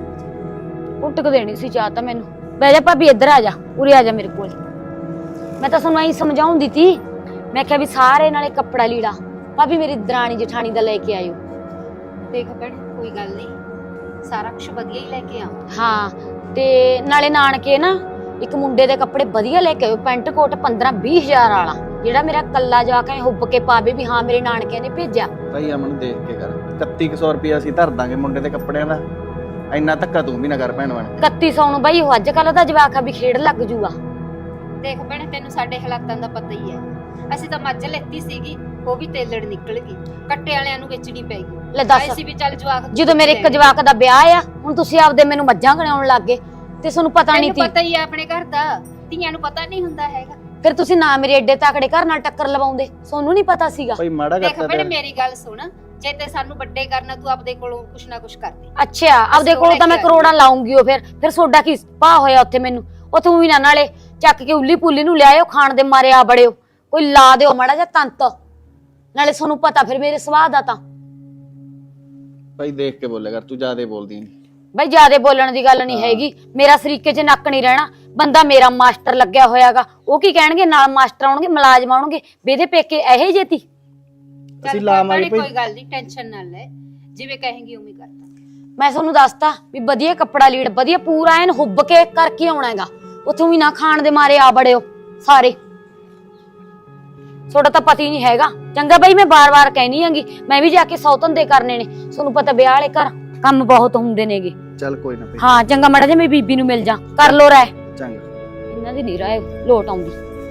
Speaker 1: ਕੁੱਟਕ ਦੇਣੀ ਸੀ ਚਾਹ ਤਾਂ ਮੈਨੂੰ ਬਹਿ ਜਾ ਭਾਬੀ ਇੱਧਰ ਆ ਜਾ ਉਰੇ ਆ ਜਾ ਮੇਰੇ ਕੋਲ ਮੈਂ ਤਾਂ ਤੁਹਾਨੂੰ ਐਂ ਸਮਝਾਉਂਦੀ ਤੀ ਮੈਂ ਕਿਹਾ ਵੀ ਸਾਰੇ ਨਾਲੇ ਕੱਪੜਾ ਲੀੜਾ ਭਾਬੀ ਮੇਰੀ ਦਰਾਣੀ ਜਠਾਣੀ ਦਾ ਲੈ ਕੇ ਆਇਓ
Speaker 4: ਦੇਖ ਭੈਣ ਕੋਈ ਗੱਲ ਨਹੀਂ ਸਾਰਾ ਕੁਝ ਵਧੀਆ ਹੀ ਲੈ ਕੇ ਆ
Speaker 1: ਹਾਂ ਤੇ ਨਾਲੇ ਨਾਨਕੇ ਨਾ ਇੱਕ ਮੁੰਡੇ ਦੇ ਕੱਪੜੇ ਵਧੀਆ ਲੈ ਕੇ ਆਇਓ ਪੈਂਟ ਕੋਟ ਪੰਦਰਾਂ ਵੀਹ ਹਜ਼ਾਰ ਵਾਲਾ ਜਿਹੜਾ ਮੇਰਾ ਕੱਲਾ ਜਾ ਕੇ ਹੁੱਬ ਕੇ ਪਾਵੇ ਵੀ ਹਾਂ ਮੇਰੇ ਨਾਨਕਿਆਂ ਨੇ ਭੇਜਿਆ
Speaker 5: ਭਾਈ ਅਮਨ ਦੇਖ ਕੇ ਕਰ ਇਕੱਤੀ ਸੌ ਰੁਪਏ ਅਸੀਂ ਧਰ ਦਾਂਗੇ ਮੁੰਡੇ ਦੇ ਕੱਪੜਿਆਂ ਦਾ ਇੰਨਾ ਧੱਕਾ ਤੂੰ ਵੀ ਨਾ ਕਰ ਭੈਣ ਬਣ
Speaker 1: ਇਕੱਤੀ ਸੌ ਨੂੰ ਬਾਈ ਉਹ ਅੱਜ ਕੱਲ ਦਾ ਜਵਾਕ ਆ ਵੀ ਖੇਡ ਲੱਗ ਜੂਗਾ
Speaker 4: ਦੇਖ ਭੈਣੇ ਤੈਨੂੰ ਸਾਡੇ ਹਾਲਾਤਾਂ ਦਾ ਪਤਾ ਹੀ ਹੈ ਅਸੀਂ ਤਾਂ ਮੱਝ ਲੈਤੀ ਸੀਗੀ ਉਹ ਵੀ ਤੇਲੜ ਨਿਕਲ ਗਈ ਕੱਟੇ ਵਾਲਿਆਂ ਨੂੰ ਵੇਚਣੀ ਪੈ ਗਈ
Speaker 1: ਲੈ ਦੱਸ
Speaker 4: ਅਸੀਂ ਵੀ ਚੱਲ ਜਵਾਕ
Speaker 1: ਜਦੋਂ ਮੇਰੇ ਇੱਕ ਜਵਾਕ ਦਾ ਵਿਆਹ ਆ ਹੁਣ ਤੁਸੀਂ ਆਪਦੇ ਮੈਨੂੰ ਮੱਝਾਂ ਗਣਾਉਣ ਲੱਗ ਗਏ ਤੇ ਤੁਹਾਨੂੰ ਪਤਾ ਨਹੀਂ
Speaker 4: ਤੈਨੂੰ
Speaker 1: ਸੀ
Speaker 4: ਪਤਾ ਹੀ ਹੈ ਆਪਣੇ ਘਰ ਦਾ ਧੀਆਂ ਨੂੰ ਪਤਾ ਨਹੀਂ ਹੁੰਦਾ ਹੈਗਾ
Speaker 1: ਫਿਰ ਤੁਸੀਂ ਨਾ ਮੇਰੇ ਏਡੇ ਤਾਕੜੇ ਘਰ ਨਾਲ ਟੱਕਰ ਲਵਾਉਂਦੇ ਤੁਹਾਨੂੰ ਨਹੀਂ ਪਤਾ ਸੀਗਾ
Speaker 5: ਭਾਈ ਮਾੜਾ
Speaker 4: ਦੇਖ
Speaker 5: ਕਰਤਾ
Speaker 4: ਭੈਣੇ
Speaker 5: ਤੇ
Speaker 4: ਮੇਰੀ ਗੱਲ ਸੁਣ ਜੇ ਤੇ ਸਾਨੂੰ ਵੱਡੇ ਕਰਨਾ ਤੂੰ ਆਪਦੇ ਕੋਲੋਂ ਕੁਛ ਨਾ ਕੁਛ ਕਰਦੀ।
Speaker 1: ਅੱਛਾ ਆਪਦੇ ਕੋਲ ਤਾਂ ਮੈਂ ਕਰੋੜਾਂ ਲਾਉਂਗੀ ਉਹ ਫਿਰ ਫਿਰ ਸੋਡਾ ਕੀ ਭਾ ਹੋਇਆ ਉੱਥੇ ਮੈਨੂੰ ਉੱਥੇ ਵੀ ਨਾ ਨਾਲੇ ਚੱਕ ਕੇ ਉੱਲੀ ਪੁੱਲੀ ਨੂੰ ਲਿਆਇਓ ਖਾਣ ਦੇ ਮਾਰੇ ਆ ਬੜਿਓ ਕੋਈ ਲਾ ਦਿਓ ਮਾੜਾ ਜਿਹਾ ਤੰਤ ਨਾਲੇ ਤੁਹਾਨੂੰ ਪਤਾ ਫਿਰ ਮੇਰੇ ਸੁਭਾਅ ਦਾ ਤਾਂ
Speaker 5: ਭਾਈ ਦੇਖ ਕੇ ਬੋਲਿਆ ਕਰ ਤੂੰ ਜ਼ਿਆਦਾ ਬੋਲਦੀ ਨਹੀਂ।
Speaker 1: ਬਈ ਜਿਆਦੇ ਬੋਲਣ ਦੀ ਗੱਲ ਨਹੀਂ ਹੈਗੀ ਮੇਰਾ ਸਰੀਕੇ 'ਚ ਨੱਕ ਨਹੀਂ ਰਹਿਣਾ ਬੰਦਾ ਮੇਰਾ ਮਾਸਟਰ ਲੱਗਿਆ ਹੋਇਆਗਾ ਉਹ ਕੀ ਕਹਿਣਗੇ ਨਾਲ ਮਾਸਟਰ ਆਉਣਗੇ ਮੁਲਾਜ਼ਮ ਆਉਣਗੇ ਬੇਦੇ ਪੇਕੇ ਇਹੇ ਜੇਤੀ
Speaker 5: ਅਸੀਂ ਲਾਵਾਂਗੇ
Speaker 4: ਕੋਈ ਗੱਲ ਨਹੀਂ ਟੈਨਸ਼ਨ ਨਾ ਲੈ ਜਿਵੇਂ ਕਹੇਂਗੀ ਉਵੇਂ ਕਰਦਾ।
Speaker 1: ਮੈਂ ਤੁਹਾਨੂੰ ਦੱਸਤਾ ਵੀ ਵਧੀਆ ਕੱਪੜਾ ਲੀੜ ਵਧੀਆ ਪੂਰਾ ਐਨ ਹੁੱਬ ਕੇ ਕਰਕੇ ਆਉਣਾ ਹੈਗਾ ਉੱਥੋਂ ਵੀ ਨਾ ਖਾਣ ਦੇ ਮਾਰੇ ਆ ਬੜਿਓ ਸਾਰੇ ਤੁਹਾਡਾ ਤਾਂ ਪਤਾ ਹੀ ਨਹੀਂ ਹੈਗਾ ਚੰਗਾ ਬਈ ਮੈਂ ਬਾਰ-ਬਾਰ ਕਹਿਣੀ ਆਂਗੀ ਮੈਂ ਵੀ ਜਾ ਕੇ ਸੌ ਧੰਦੇ ਕਰਨੇ ਨੇ ਤੁਹਾਨੂੰ ਪਤਾ ਵਿਆਹ ਵਾਲੇ ਘਰ ਕੰਮ ਬਹੁਤ ਹੁੰਦੇ ਨੇਗੇ।
Speaker 5: ਚੱਲ ਕੋਈ ਨਾ ਭਾਈ
Speaker 1: ਹਾਂ ਚੰਗਾ ਮਾੜਾ ਜੇ ਮੇਰੀ ਬੀਬੀ ਨੂੰ ਮਿਲ ਜਾ ਕਰ ਲੋ ਰਾਏ
Speaker 5: ਚੰਗਾ
Speaker 1: ਇਹਨਾਂ ਦੀ ਨਹੀਂ ਰਾਏ ਲੋਟ ਆਉਂਦੀ।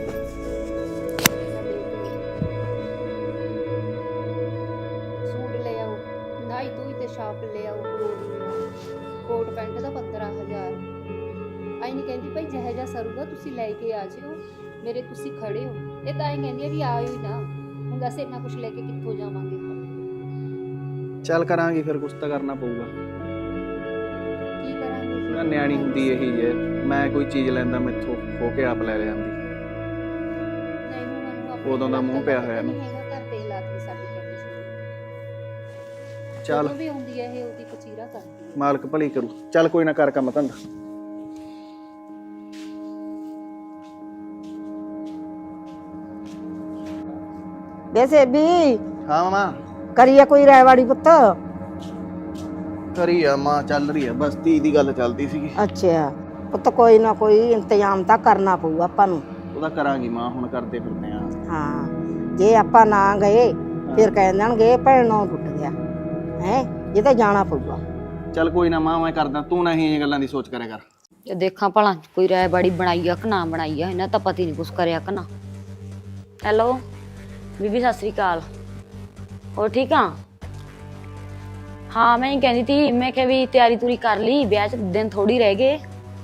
Speaker 4: ਸੂਟ ਲੈ ਆਓ ਨਾਈ ਤੂੰ ਤੇ ਸ਼ਾਪ ਲੈ ਆਓ ਕੋਟ ਪੈਂਟ ਦਾ ਪੰਦਰਾਂ ਹਜ਼ਾਰ ਆਈ ਨਹੀਂ ਕਹਿੰਦੀ ਭਾਈ ਜਿਹੇ ਜਿਹਾ ਸਰੂਗਾ ਤੁਸੀਂ ਲੈ ਕੇ ਆ ਜਿਓ ਮੇਰੇ ਤੁਸੀਂ ਖੜੇ ਹੋ ਇਹ ਤਾਂ ਆਈ ਕਹਿੰਦੀ ਆ ਵੀ ਆਇਓ ਹੀ ਨਾ ਹੁਣ ਦੱਸ ਇੰਨਾ ਕੁਝ ਲੈ ਕੇ ਕਿੱਥੋਂ ਜਾਵਾਂਗੇ
Speaker 5: ਚੱਲ ਕਰਾਂਗੇ ਫਿਰ ਕੁਛ ਤਾਂ ਕਰਨਾ ਪਊਗਾ।
Speaker 4: ਕੀ ਕਰਾਂਗੇ ਫਿਰ?
Speaker 5: ਨਾ ਨਿਆਣੀ ਹੁੰਦੀ ਇਹੀ ਹੈ ਮੈਂ ਕੋਈ ਚੀਜ਼ ਲੈਂਦਾ ਮੈਥੋਂ ਹੋ ਕੇ ਆਪ ਲੈ ਲਿਆਂਦੀ।
Speaker 4: ਨਹੀਂ ਹੁਣ ਮੈਨੂੰ ਆਪਣੇ
Speaker 5: ਉਦੋਂ ਦਾ ਮੂੰਹ ਪਿਆ ਹੋਇਆ
Speaker 4: ਨਹੀਂ
Speaker 5: ਇਹਨੂੰ।
Speaker 4: ਹੈਗਾ ਘਰ ਤੇ ਹਾਲਾਤ ਵੀ ਸਾਡੇ ਕਹਿੰਦੇ ਸੀ
Speaker 5: ਚੱਲ
Speaker 4: ਜਦੋਂ ਵੀ ਆਉਂਦੀ ਹੈ ਇਹ ਉਹਦੀ ਕਚੀਰਾ ਕਰਦੀ ਹੈ।
Speaker 5: ਮਾਲਕ ਭਲੀ ਕਰੂ। ਚੱਲ ਕੋਈ ਨਾ ਕਰ ਕੰਮ ਧੰਦਾ।
Speaker 3: ਵੈਸੇ ਵੀ
Speaker 5: ਹਾਂ ਮਾਂ
Speaker 3: ਕਰੀਏ ਕੋਈ ਰਾਇਵਾੜੀ ਪੁੱਤ।
Speaker 5: ਕਰੀ ਆ ਮਾਂ ਚੱਲ ਰਹੀ ਆ ਬਸ ਧੀ ਦੀ ਗੱਲ ਚੱਲਦੀ ਸੀਗੀ।
Speaker 3: ਅੱਛਾ ਪੁੱਤ ਕੋਈ ਨਾ ਕੋਈ ਇੰਤਜ਼ਾਮ ਤਾਂ ਕਰਨਾ ਪਊ ਆਪਾਂ ਨੂੰ।
Speaker 5: ਉਹਦਾ ਕਰਾਂਗੀ ਮਾਂ ਹੁਣ ਕਰਦੇ ਫਿਰਦੇ ਆ।
Speaker 3: ਹਾਂ ਜੇ ਆਪਾਂ ਨਾ ਗਏ ਫਿਰ ਕਹਿ ਦੇਣਗੇ ਭੈਣੋਂ ਟੁੱਟ ਗਿਆ ਹੈ ਇਹ ਤਾਂ ਜਾਣਾ ਪਊਗਾ।
Speaker 5: ਚੱਲ ਕੋਈ ਨਾ ਮਾਂ ਮੈਂ ਕਰਦਾ ਤੂੰ ਨਹੀਂ ਇਹ ਗੱਲਾਂ ਦੀ ਸੋਚ ਕਰਿਆ ਕਰ।
Speaker 1: ਜੇ ਦੇਖਾਂ ਭਲਾ ਕੋਈ ਰਾਏ ਬਾੜੀ ਬਣਾਈ ਆ ਕਿ ਨਾ ਬਣਾਈ ਆ ਇਹਨਾਂ ਤਾਂ ਪਤਾ ਹੀ ਨਹੀਂ ਕੁਛ ਕਰਿਆ ਕਿ ਨਾ। ਹੈਲੋ ਬੀਬੀ ਸਤਿ ਸ੍ਰੀ ਅਕਾਲ ਹੋਰ ਠੀਕ ਆ। ਹਾਂ ਮੈਂ ਹੀ ਕਹਿੰਦੀ ਤੀ ਮੈਂ ਕਿਹਾ ਵੀ ਤਿਆਰੀ ਤੁਰੀ ਕਰ ਲਈ ਵਿਆਹ ਚ ਦਿਨ ਥੋੜੀ ਰਹਿ ਗਏ।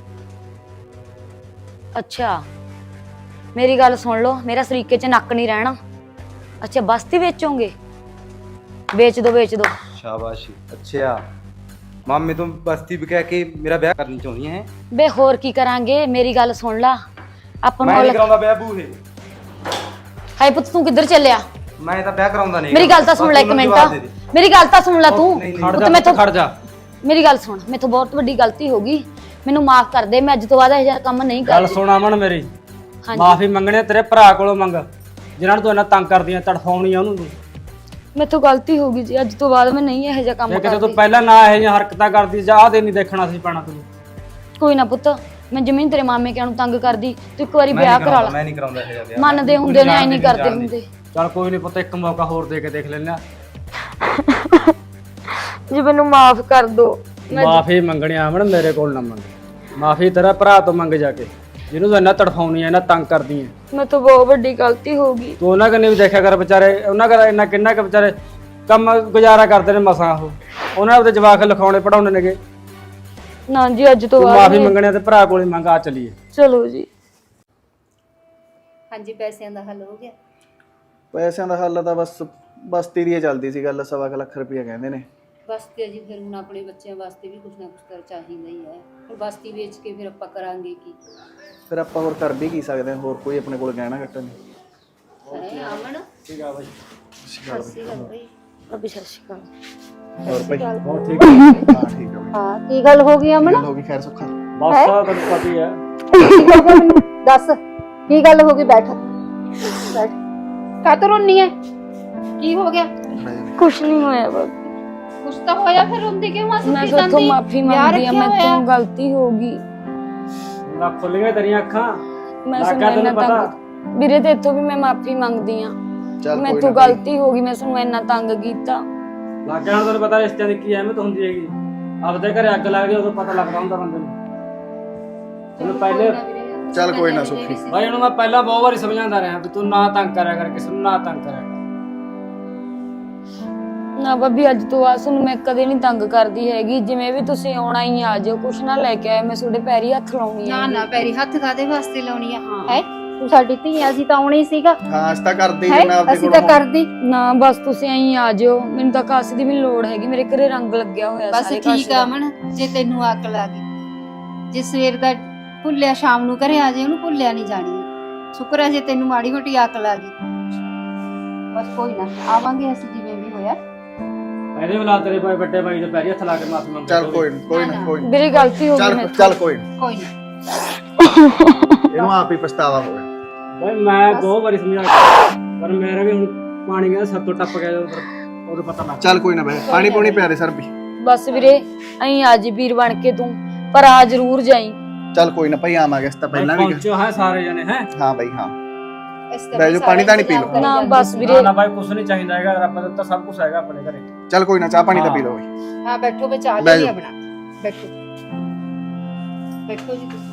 Speaker 1: ਅੱਛਾ ਮੇਰੀ ਗੱਲ ਸੁਣ ਲਓ ਮੇਰਾ ਸਰੀਕੇ ਚ ਨੱਕ ਨਹੀਂ ਰਹਿਣਾ। ਅੱਛਾ ਬਸਤੀ ਵੇਚੋਗੇ ਵੇਚ ਦੋ ਵੇਚ ਦੋ।
Speaker 6: शाबाश अच्छा मामे तुम बस्ती भी कह के मेरा ब्याह करनी चाहती है।
Speaker 1: ਬੇ ਹੋਰ ਕੀ ਕਰਾਂਗੇ ਮੇਰੀ ਗੱਲ ਸੁਣ ਲਾ ਆਪਾਂ
Speaker 6: मैं
Speaker 1: ਨੂੰ
Speaker 6: नहीं कराऊंगा ब्याह बूहे
Speaker 1: ਹਾਏ ਪੁੱਤ ਤੂੰ ਕਿੱਧਰ ਚੱਲਿਆ
Speaker 6: मैं तो ब्याह कराऊंगा नहीं।
Speaker 1: ਮੇਰੀ ਗੱਲ ਤਾਂ ਸੁਣ ਲੈ ਇੱਕ ਮਿੰਟ ਮੇਰੀ ਗੱਲ ਤਾਂ ਸੁਣ ਲੈ ਤੂੰ
Speaker 2: ਖੜ
Speaker 1: ਪੁੱਤ
Speaker 2: ਜਾ
Speaker 1: ਮੈਥੋਂ
Speaker 2: ਖੜ ਜਾ
Speaker 1: ਮੇਰੀ ਗੱਲ ਸੁਣ ਮੈਥੋਂ ਬਹੁਤ ਵੱਡੀ ਗਲਤੀ ਹੋ ਗਈ ਮੈਨੂੰ ਮਾਫ ਕਰ ਦੇ ਮੈਂ ਅੱਜ ਤੋਂ ਬਾਅਦ ਇਹ ਜਿਹਾ ਕੰਮ ਨਹੀਂ
Speaker 2: ਗੱਲ
Speaker 1: ਕਰਦੀ।
Speaker 2: ਸੁਣ ਅਮਨ ਮੇਰੀ
Speaker 1: ਹਾਂਜੀ
Speaker 2: ਮਾਫੀ ਮੰਗਣੇ ਤੇਰੇ ਭਰਾ ਕੋਲੋਂ ਮੰਗ ਜਿਨ੍ਹਾਂ ਨੂੰ ਤੂੰ ਇੰਨਾ ਤੰਗ ਕਰਦੀ ਆ ਤੜਫਾਉਣੀ ਆ ਉਹਨੂੰ ਤੂੰ।
Speaker 1: ਮੈਥੋਂ ਗਲਤੀ ਹੋ ਗਈ ਜੀ ਅੱਜ ਤੋਂ ਬਾਅਦ ਮੈਂ ਨਹੀਂ ਇਹ ਜਿਹਾ ਕੰਮ
Speaker 2: ਜੇ ਕਿਤੇ ਤੂੰ
Speaker 1: ਕਰਦੀ।
Speaker 2: ਪਹਿਲਾਂ ਨਾ ਇਹ ਜਿਹੀਆਂ ਹਰਕਤਾਂ ਕਰਦੀ ਜਾਂ ਆਹ ਦੇ ਨਹੀਂ ਦੇਖਣਾ ਸੀ ਪੈਣਾ ਤੈਨੂੰ।
Speaker 1: ਕੋਈ ਨਾ ਪੁੱਤ ਮੈਂ ਜ਼ਮੀਨ ਤੇਰੇ ਮਾਮੇ ਕਿਆਂ ਨੂੰ ਤੰਗ ਕਰਦੀ ਤੂੰ ਇੱਕ ਵਾਰੀ
Speaker 6: मैं
Speaker 1: ਵਿਆਹ
Speaker 6: नहीं
Speaker 1: ਕਰਾ
Speaker 6: कराऊंगा
Speaker 1: ਲਾ
Speaker 6: मैं नहीं कराऊंगा ये ब्याह।
Speaker 1: ਮੰਨਦੇ ਹੁੰਦੇ ਨੇ ਐ ਨਹੀਂ ਕਰਦੇ ਹੁੰਦੇ।
Speaker 2: ਚੱਲ ਕੋਈ ਨਹੀਂ ਪੁੱਤ ਇੱਕ ਮੌਕਾ ਹੋਰ ਦੇ ਕੇ ਦੇਖ ਲੈਣਾ।
Speaker 1: ਜੀ ਮੈਨੂੰ ਮਾਫ ਕਰ ਦੋ
Speaker 2: ਮਾਫੀ ਮੰਗਣੀ ਅਮਨ ਮੇਰੇ ਕੋਲ ਨਾ ਮੰਗ ਮਾਫੀ ਤੇਰਾ ਭਰਾ ਤੋਂ ਮੰਗ ਜਾ ਕੇ ਜਿਹਨੂੰ ਤੂੰ ਇੰਨਾ ਤੜਫਾਉਣੀ ਆ ਇੰਨਾ ਤੰਗ ਕਰਦੀ ਆ।
Speaker 1: ਮੈਂ ਤੋਂ ਬਹੁਤ ਵੱਡੀ ਗਲਤੀ ਹੋ ਗਈ।
Speaker 2: ਤੂੰ ਉਹਨਾਂ ਕਨੇ ਵੀ ਦੇਖਿਆ ਕਰ ਵਿਚਾਰੇ ਉਹਨਾਂ ਕਰ ਇੰਨਾ ਕਿੰਨਾ ਕੁ ਵਿਚਾਰੇ ਕੰਮ ਗੁਜ਼ਾਰਾ ਕਰਦੇ ਨੇ ਮਸਾਂ ਉਹ ਉਹਨਾਂ ਦੇ ਜਵਾਕ ਲਿਖਾਉਣੇ ਪੜਾਉਣੇ ਨੇਗੇ।
Speaker 1: ਨਾ ਜੀ ਅੱਜ ਤੋਂ
Speaker 2: ਤੂੰ
Speaker 1: ਬਾਅਦ
Speaker 2: ਮਾਫੀ ਮੰਗਣੇ ਤੇ ਭਰਾ ਕੋਲ ਹੀ ਮੰਗ ਆ ਚਲੀਏ।
Speaker 1: ਚਲੋ ਜੀ
Speaker 4: ਹਾਂਜੀ ਪੈਸਿਆਂ ਦਾ ਹੱਲ ਹੋ ਗਿਆ।
Speaker 5: ਪੈਸਿਆਂ ਦਾ ਹੱਲ ਤਾਂ ਬਸ ਬਸਤੀ ਦੀ ਚੱਲਦੀ ਸੀ ਗੱਲ। ਸਵਾ ਕੁ ਲੱਖ ਰੁਪਇਆ ਕਹਿੰਦੇ ਨੇ।
Speaker 4: ਬਸਤੀ ਜੀ ਫਿਰ ਹੁਣ ਆਪਣੇ ਬੱਚਿਆਂ ਵਾਸਤੇ ਵੀ ਕੁਝ ਨਾ ਕੁਝ ਕਰ ਚਾਹੀਦਾ ਹੀ ਹੈ। ਹੁਣ ਬਸਤੀ ਵੇਚ ਕੇ ਫਿਰ ਆਪਾਂ ਕਰਾਂਗੇ ਕੀ
Speaker 5: ਫਿਰ ਆਪਾਂ ਹੋਰ ਕਰ ਵੀ ਕੀ ਸਕਦੇ ਹਾਂ। ਹੋਰ ਕੋਈ ਆਪਣੇ ਕੋਲ ਗਹਿਣਾ ਘੱਟਾ ਨਹੀਂ।
Speaker 4: ਹੈ ਆਮਣ
Speaker 2: ਠੀਕ ਆ ਬਾਈ
Speaker 4: ਸੱਸੀ ਗੱਲ ਬਈ
Speaker 1: ਰੱਬੀ ਸਤਿ ਸ਼੍ਰੀ ਅਕਾਲ।
Speaker 5: ਹੋਰ ਭਾਈ
Speaker 2: ਬਹੁਤ ਠੀਕ ਆ।
Speaker 5: ਹਾਂ ਠੀਕ ਆ ਬਈ।
Speaker 4: ਹਾਂ ਕੀ ਗੱਲ ਹੋ ਗਈ ਆਮਣ
Speaker 5: ਗੱਲ ਹੋ ਗਈ ਖੈਰ ਸੁੱਖਾ।
Speaker 2: ਬਸ ਆ ਤੈਨੂੰ ਪਤਾ ਹੀ ਆ।
Speaker 4: ਕੀ ਹੋ ਗਿਆ ਮੈਨੂੰ ਦੱਸ ਕੀ ਗੱਲ ਹੋ ਗਈ ਬੈਠ ਬੈਠ ਕਾਤੋਂ ਰੋਣੀ ਹੈ ਕੀ ਹੋ ਗਿਆ
Speaker 1: ਕੁਛ ਨਹੀਂ ਹੋਇਆ ਬਾਬੀ
Speaker 4: ਕੁਛ ਤਾਂ ਹੋਇਆ ਫਿਰ ਰੋਂਦੀ ਕਿਉਂ ਆ
Speaker 1: ਮੈਂ
Speaker 4: ਸੁੱਤੀ
Speaker 1: ਤੁਹਾਡੇ ਤੋਂ
Speaker 4: ਜਾਂਦੀ
Speaker 1: ਮਾਫੀ
Speaker 4: ਵਿਆਹ
Speaker 1: ਮੰਗਦੀ ਆ
Speaker 4: ਰੱਖਿਆ
Speaker 1: ਮੈਂ
Speaker 4: ਹੋਇਆ।
Speaker 1: ਤੋਂ ਗਲਤੀ ਹੋ ਗਈ
Speaker 2: ਨਾ ਖੁੱਲ ਗਈਆਂ ਤੇਰੀਆਂ ਅੱਖਾਂ।
Speaker 1: ਮੈਂ
Speaker 2: ਲੱਗ
Speaker 1: ਸੁਣ
Speaker 2: ਗਿਆ
Speaker 1: ਇੰਨਾ
Speaker 2: ਤੈਨੂੰ ਪਤਾ।
Speaker 1: ਤੰਗ ਵੀਰੇ ਤੇ ਇੱਥੋਂ ਵੀ ਮੈਂ ਮਾਫੀ ਮੰਗਦੀ ਆ
Speaker 5: ਚੱਲ
Speaker 1: ਮੈਂ
Speaker 5: ਕੋਈ
Speaker 1: ਤੋਂ
Speaker 5: ਨਾ ਭਾਈ।
Speaker 1: ਗਲਤੀ ਹੋ ਗਈ ਮੈਂ ਤੁਹਾਨੂੰ ਇੰਨਾ ਤੰਗ ਕੀਤਾ।
Speaker 2: ਲੱਗ ਗਿਆ ਹੁਣ ਤੈਨੂੰ ਪਤਾ ਰਿਸ਼ਤਿਆਂ ਦੀ ਕੀ ਅਹਿਮੀਅਤ ਹੁੰਦੀ ਹੈਗੀ। ਆਪਦੇ ਘਰੇ ਅੱਗ ਲੱਗਦੀ ਉਦੋਂ ਪਤਾ ਲੱਗਦਾ ਹੁੰਦਾ ਬੰਦੇ ਨੂੰ। ਤੈਨੂੰ ਪਹਿਲੇ
Speaker 5: ਚੱਲ ਕੋਈ ਨਾ ਸੁੱਖੀ।
Speaker 2: ਬਾਈ ਉਹਨੂੰ ਮੈਂ ਪਹਿਲਾਂ ਬਹੁਤ ਵਾਰੀ ਸਮਝਾਉਂਦਾ ਰਿਹਾ ਵੀ ਤੂੰ ਨਾ ਤੰਗ ਕਰਿਆ ਕਰ ਕਿਸੇ ਨੂੰ ਨਾ ਤੰਗ ਕਰਿਆ ਕਰ।
Speaker 1: ਨਾ ਬੱਬੀ ਅੱਜ ਤੋਂ ਬਾਅਦ ਤੁਹਾਨੂੰ ਮੈਂ ਕਦੇ ਨਹੀਂ ਤੰਗ ਕਰਦੀ ਹੈਗੀ ਜਿਵੇਂ ਵੀ ਤੁਸੀਂ ਆਉਣਾ ਹੀ ਆ ਜਾਓ ਕੁਛ ਨਾ ਲੈ ਕੇ ਆਏ ਮੈਂ ਤੁਹਾਡੇ ਪੈਰੀ ਹੱਥ ਲਾਉਣੀ
Speaker 4: ਨਾ
Speaker 1: ਹੈ
Speaker 4: ਨਾ ਪੈਰੀ ਹੱਥ ਕਾਦੇ ਵਾਸਤੇ ਲਾਉਣੀ ਆ ਹੈ ਤੂੰ ਸਾਡੀ ਧੀ ਅਸੀਂ ਤਾਂ ਆਉਣਾ ਹੀ ਸੀਗਾ
Speaker 5: ਹਾਂ ਅਸੀਂ ਤਾਂ ਕਰਦੇ
Speaker 4: ਹੈ
Speaker 5: ਜਿੰਨਾ ਆਪਦੇ
Speaker 4: ਅਸੀਂ ਤਾਂ
Speaker 5: ਕੋਲੋਂ
Speaker 4: ਕਰਦੀ
Speaker 1: ਨਾ ਬਸ ਤੁਸੀਂ ਐਂ ਆ ਜਿਓ, ਮੈਨੂੰ ਤਾਂ ਕਾਸੇ ਦੀ ਵੀ ਨੀ ਲੋੜ ਹੈਗੀ, ਮੇਰੇ ਘਰੇ ਰੰਗ ਲੱਗਿਆ ਹੋਇਆ
Speaker 4: ਬਸ
Speaker 1: ਸਾਰੇ
Speaker 4: ਠੀਕ ਆ ਅਮਨ, ਜੇ ਤੈਨੂੰ ਅਕਲ ਆ ਗਈ, ਜੇ ਸਵੇਰ ਦਾ ਭੁੱਲਿਆ ਸ਼ਾਮ ਨੂੰ ਘਰੇ ਆ ਜੇ ਉਹਨੂੰ ਭੁੱਲਿਆ ਨਹੀਂ ਜਾਣੀ। ਸ਼ੁਕਰ ਹੈ ਜੇ ਤੈਨੂੰ ਮਾੜੀ ਮੋਟੀ ਅਕਲ ਆ ਗਈ। ਬਸ ਕੋਈ ਨਾ, ਆਵਾਂਗੇ ਅਸੀਂ ਜਿਵੇਂ ਵੀ ਹੋਇਆ।
Speaker 2: ਇਹਦੇ ਬਲਾ ਤੇਰੇ ਭਾਈ ਵੱਡੇ ਭਾਈ ਦੇ ਪੈਰੀ ਹੱਥ ਲਾ ਕੇ ਮਾਫੀ ਮੰਗ।
Speaker 5: ਚੱਲ ਕੋਈ ਨੀ, ਕੋਈ ਨਾ ਕੋਈ ਨੀ।
Speaker 1: ਮੇਰੀ ਗਲਤੀ ਹੋ ਗਈ
Speaker 5: ਚੱਲ
Speaker 1: ਮੈਂ
Speaker 5: ਚੱਲ ਕੋਈ ਨੀ।
Speaker 4: ਕੋਈ ਨਾ
Speaker 5: ਇਹਨੂੰ ਆਪ ਹੀ ਪਛਤਾਵਾ ਹੋਵੇ।
Speaker 2: ਭਾਈ ਮੈਂ ਬਹੁਤ ਵਾਰੀ ਸਮਝਾਇਆ ਪਰ ਮੇਰਾ ਵੀ ਹੁਣ ਪਾਣੀ ਕਹਿੰਦਾ ਸਭ ਤੋਂ ਟੱਪ ਗਿਆ ਜਦੋਂ ਉਦੋਂ ਪਤਾ ਲੱਗ
Speaker 5: ਚੱਲ ਕੋਈ ਨਾ ਬਈ, ਪਾਣੀ ਪੂਣੀ ਪਿਆ ਦੇ ਸਰ ਵੀ।
Speaker 1: ਬਸ ਵੀਰੇ ਐਂ ਅੱਜ ਵੀਰ ਬਣ ਕੇ ਤੂੰ, ਪਰ ਆ ਜ਼ਰੂਰ ਜਾਈ।
Speaker 5: ਚੱਲ ਕੋਈ ਨਾ ਭਾਈ, ਆਵਾਂਗੇ ਇਸ ਤਾਂ ਪਹਿਲਾਂ ਵੀ
Speaker 2: ਪਹੁੰਚੋ ਹੈ ਸਾਰੇ ਜਣੇ ਹੈ।
Speaker 5: ਹਾਂ ਬਈ ਹਾਂ।
Speaker 4: ਇਸ ਤਰ੍ਹਾਂ
Speaker 5: ਬਹਿ ਜਾਓ, ਪਾਣੀ ਤਾਂ ਨੀ ਪੀ ਲਓ।
Speaker 4: ਕਰੀ
Speaker 1: ਨਾ
Speaker 4: ਜਾਂਦੇ
Speaker 1: ਬਸ
Speaker 4: ਸੀ।
Speaker 1: ਵੀਰੇ
Speaker 2: ਨਾ ਭਾਈ ਕੁਛ ਨਹੀਂ ਚਾਹੀਦਾ ਹੈਗਾ, ਰੱਬ ਦਿੱਤਾ ਸਭ ਕੁਝ ਹੈਗਾ ਆਪਣੇ ਘਰੇ।
Speaker 5: ਚੱਲ ਕੋਈ ਨਾ, ਚਾਹ ਪਾਣੀ ਤਾਂ ਪੀ ਲਓ ਬਈ।
Speaker 4: ਹਾਂ ਬੈਠੋ, ਬਚਾ
Speaker 5: ਬਹਿ
Speaker 4: ਲਈ
Speaker 5: ਜਾਓ।
Speaker 4: ਆਪਣਾ, ਬੈਠੋ ਬੈਠੋ ਜੀ ਤੁਸੀਂ।